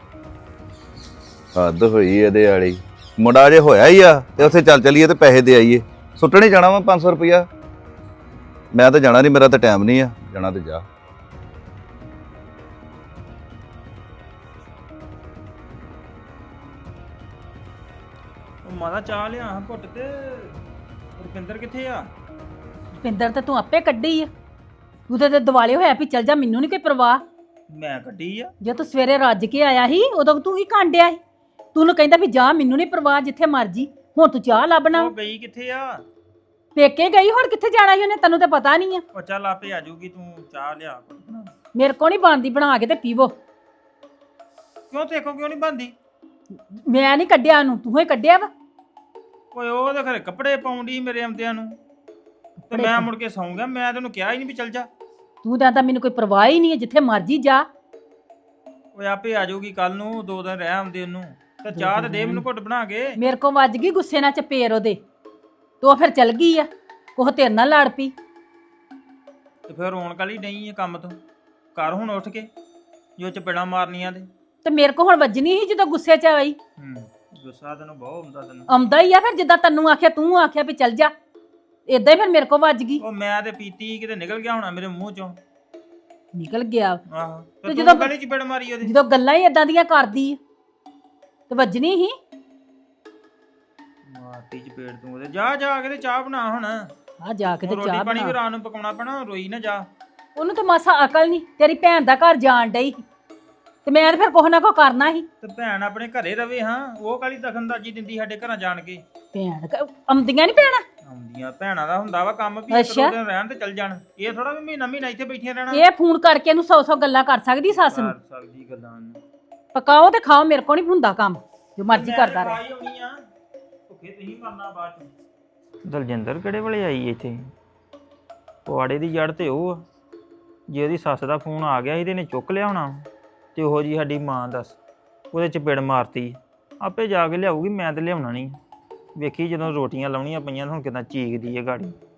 J: ਹੱਦ ਹੋਈ ਇਹਦੇ ਵਾਲੀ। ਮੁੰਡਾ ਜੇ ਹੋਇਆ ਹੀ ਆ ਤੇ ਉੱਥੇ ਚੱਲ ਚਲੀਏ ਤੇ ਪੈਸੇ ਦੇ ਆਈਏ। ਸੁੱਟਣੇ ਜਾਣਾ ਵਾ 500 ਰੁਪਇਆ। ਮੈਂ ਤਾਂ ਜਾਣਾ ਨਹੀਂ, ਮੇਰਾ ਤਾਂ ਟਾਈਮ ਨਹੀਂ ਆ ਜਾਣਾ, ਤੇ ਜਾ।
H: ਉਹ ਮਾਤਾ ਚਾਹ ਲਿਆ ਹਾਂ ਘੁੱਟ ਤੇ ਰੁਪਿੰਦਰ ਕਿੱਥੇ ਆ?
C: ਪਿੰਦਰ ਤੇ ਤੂੰ ਆਪੇ ਕੱਢੀ ਆ, ਤੂੰ ਤੇ ਦਿਵਾਲੇ ਹੋਇਆ ਵੀ ਚੱਲ ਜਾ, ਮੈਨੂੰ ਨਹੀਂ ਕੋਈ ਪਰਵਾਹ।
H: ਮੈਂ ਕੱਢੀ ਆ।
C: ਜੇ ਤੂੰ ਸਵੇਰੇ ਰੱਜ ਕੇ ਆਇਆ ਸੀ ਉਦੋਂ ਤੂੰ ਕੀ ਕਾਂਡਿਆ ਸੀ? ਤੂੰ ਨੂੰ ਕਹਿੰਦਾ ਵੀ ਜਾ, ਮੈਨੂੰ ਨਹੀਂ ਪਰਵਾਹ, ਜਿੱਥੇ ਮਰਜੀ। ਹੁਣ ਤੂੰ ਚਾਹ ਲੱਭਣਾ
H: ਉਹ ਗਈ ਕਿੱਥੇ ਆ?
C: ਪੇਕੇ ਗਈ, ਹੁਣ ਕਿੱਥੇ ਜਾਣਾ ਸੀ ਉਹਨੇ? ਤੈਨੂੰ ਤਾਂ ਪਤਾ ਨਹੀਂ ਆ।
H: ਉਹ ਚੱਲ ਆਪੇ ਆ ਜਾਊਗੀ, ਤੂੰ ਚਾਹ ਲਿਆ ਘੁੱਟ ਬਣਾ।
C: ਮੇਰੇ ਕੋਲ ਨਹੀਂ ਬਣਦੀ, ਬਣਾ ਕੇ ਤੇ ਪੀਵੋ।
H: ਕਿਉਂ ਤੇਕੋ ਕਿਉਂ ਨਹੀਂ ਬੰਦੀ?
C: ਮੈਂ ਨਹੀਂ ਕੱਢਿਆ ਉਹਨੂੰ, ਤੂੰ ਹੀ ਕੱਢਿਆ ਵਾ।
H: ਓਏ ਉਹ ਤਾਂ ਖਰੇ ਕੱਪੜੇ ਪਾਉਂਦੀ ਮੇਰੇ ਆਉਂਦਿਆਂ ਨੂੰ, ਤੇ ਮੈਂ ਮੁੜ ਕੇ ਸੌਂ ਗਿਆ। ਮੈਂ ਤੈਨੂੰ ਕਿਹਾ ਹੀ ਨਹੀਂ ਵੀ ਚੱਲ ਜਾ।
C: ਤੂੰ ਤਾਂ ਮੈਨੂੰ ਕੋਈ ਪਰਵਾਹ ਹੀ ਨਹੀਂ ਹੈ, ਜਿੱਥੇ ਮਰਜੀ ਜਾ।
H: ਓਏ ਆਪੇ ਆ ਜਾਊਗੀ ਕੱਲ ਨੂੰ, 2 ਦਿਨ ਰਹਿ ਆਉਂਦੇ ਉਹਨੂੰ। ਤੇ ਚਾਹ ਤੇ ਦੇ ਮੈਨੂੰ ਘੁੱਟ ਬਣਾ ਕੇ।
C: ਮੇਰੇ ਕੋ ਵੱਜ ਗਈ ਗੁੱਸੇ ਨਾਲ ਚਪੇੜ ਉਹਦੇ, ਤੇ ਉਹ ਫਿਰ ਚਲ ਗਈ ਆ। ਉਹ ਤੇਰੇ ਨਾਲ ਲੜ ਪਈ।
H: ਤੇ ਫਿਰ ਰੋਣ ਕਾਲੀ ਨਹੀਂ ਹੈ ਕੰਮ ਤੋਂ। ਕਰ ਹੁਣ ਉੱਠ ਕੇ ਜੋ ਚਪੇੜਾਂ ਮਾਰਨੀਆਂ
C: ਤੇ ਮੇਰੇ ਕੋ ਹੁਣ ਵੱਜਣੀ ਸੀ ਜਦੋਂ ਗੁੱਸੇ 'ਚ ਆਈ।
H: ਗੁੱਸਾ ਤੈਨੂੰ ਬਹੁਤ ਹੁੰਦਾ ਤੈਨੂੰ।
C: ਆਉਂਦਾ ਹੀ ਆ ਫਿਰ, ਜਿੱਦਾਂ ਤੈਨੂੰ ਆਖਿਆ ਤੂੰ ਆਖਿਆ ਵੀ ਚੱਲ ਜਾ, ਏਦਾਂ ਹੀ ਫਿਰ ਮੇਰੇ ਕੋ ਵੱਜ ਗਈ।
H: ਉਹ ਮੈਂ ਤੇ ਪੀਤੀ ਕਿਤੇ ਨਿਕਲ ਗਿਆ ਹੋਣਾ ਮੇਰੇ ਮੂੰਹ ਚੋਂ।
C: ਨਿਕਲ ਗਿਆ।
H: ਆਹੋ
C: ਤੇ
H: ਤੇ
C: ਜਦੋਂ-
H: ਜਦੋਂ ਗਲੀ ਚਪੇੜ ਮਾਰੀ ਉਹਦੇ।
C: ਜਦੋਂ ਗੱਲਾਂ ਹੀ ਏਦਾਂ ਦੀਆਂ ਕਰਦੀ ਆ, ਤੇ ਵੱਜਣੀ ਸੀ।
H: ਮਾਰਤੀ ਚਪੇੜ ਤੂੰ ਉਹਦੇ। ਜਾ ਜਾ ਕੇ ਤੇ ਚਾਹ ਬਣਾ ਹੁਣ।
C: ਆ ਜਾ ਕੇ ਤੇ
H: ਰੋਟੀ
C: ਚਾਹ
H: ਪਾਣੀ ਵੀ
C: ਬਣਾ।
H: ਰਾਤ ਨੂੰ ਪਕਾਉਣਾ ਪੈਣਾ, ਰੋਈ ਨਾ ਜਾ।
C: ਉਹਨੂੰ ਤਾਂ ਮਾਸਾ ਅਕਲ ਨਹੀਂ, ਤੇਰੀ ਭੈਣ ਦਾ ਘਰ ਜਾਣ ਡਈ ਸੀ, ਤੇ ਮੈਂ ਤਾਂ ਫਿਰ ਕੁਛ ਨਾ ਕੁਛ ਕਰਨਾ ਸੀ।
H: ਤੇ ਭੈਣ ਆਪਣੇ ਘਰੇ ਰਵੇ। ਹਾਂ, ਉਹ ਕਾਲੀ ਦਖਲਅੰਦਾਜ਼ੀ ਦਿੰਦੀ ਸਾਡੇ ਘਰਾਂ ਜਾਣ ਕੇ।
C: ਭੈਣ ਆਉਂਦੀਆਂ ਨਹੀਂ ਭੈਣਾਂ।
H: ਆਉਂਦੀਆਂ ਭੈਣਾਂ ਦਾ ਹੁੰਦਾ ਵਾ ਕੰਮ ਵੀ, ਇੱਕ
C: ਅੱਛਾ।
H: ਦੋ ਦਿਨ ਰਹਿਣ ਤੇ ਚੱਲ ਜਾਣ। ਇਹ ਥੋੜਾ ਵੀ ਮਹੀਨਾ ਮਹੀਨਾ ਇੱਥੇ ਬੈਠੀਆਂ ਰਹਿਣਾ।
C: ਇਹ ਫੋਨ ਕਰਕੇ ਇਹਨੂੰ 100 ਗੱਲਾਂ ਕਰ ਸਕਦੀ ਸੱਸ ਨੂੰ।
H: ਕਰ ਸਕਦੀ ਗੱਲਾਂ ਨੂੰ।
C: ਪਕਾਓ ਤੇ ਖਾਓ, ਮੇਰੇ ਕੋਲ ਨਹੀਂ ਹੁੰਦਾ ਕੰਮ, ਜੋ ਮਰਜ਼ੀ ਕਰਦਾ ਰਹੇ।
H: ਭੁੱਖੇ ਤੁਸੀਂ ਮਰਨਾ ਬਾਅਦ ਚ। ਦਲਜਿੰਦਰ ਕਿਹੜੇ ਵੇਲੇ ਆਈ ਇੱਥੇ? ਪਵਾੜੇ ਦੀ ਜੜ ਤੇ ਉਹ ਆ। ਜੇ ਉਹਦੀ ਸੱਸ ਦਾ ਫੋਨ ਆ ਗਿਆ ਸੀ ਤੇ ਇਹਨੇ ਚੁੱਕ ਲਿਆ ਹੋਣਾ, ਤੇ ਉਹੋ ਜੀ ਸਾਡੀ ਮਾਂ ਦੱਸ ਉਹਦੇ ਚਪੇੜ ਮਾਰਤੀ। ਆਪੇ ਜਾ ਕੇ ਲਿਆਊਗੀ, ਮੈਂ ਤੇ ਲਿਆਉਣਾ ਨਹੀਂ। ਵੇਖੀ ਜਦੋਂ ਰੋਟੀਆਂ ਲਾਉਣੀਆਂ ਪਈਆਂ ਹੁਣ ਕਿਦਾਂ ਚੀਕਦੀ ਹੈ ਗਾੜੀ।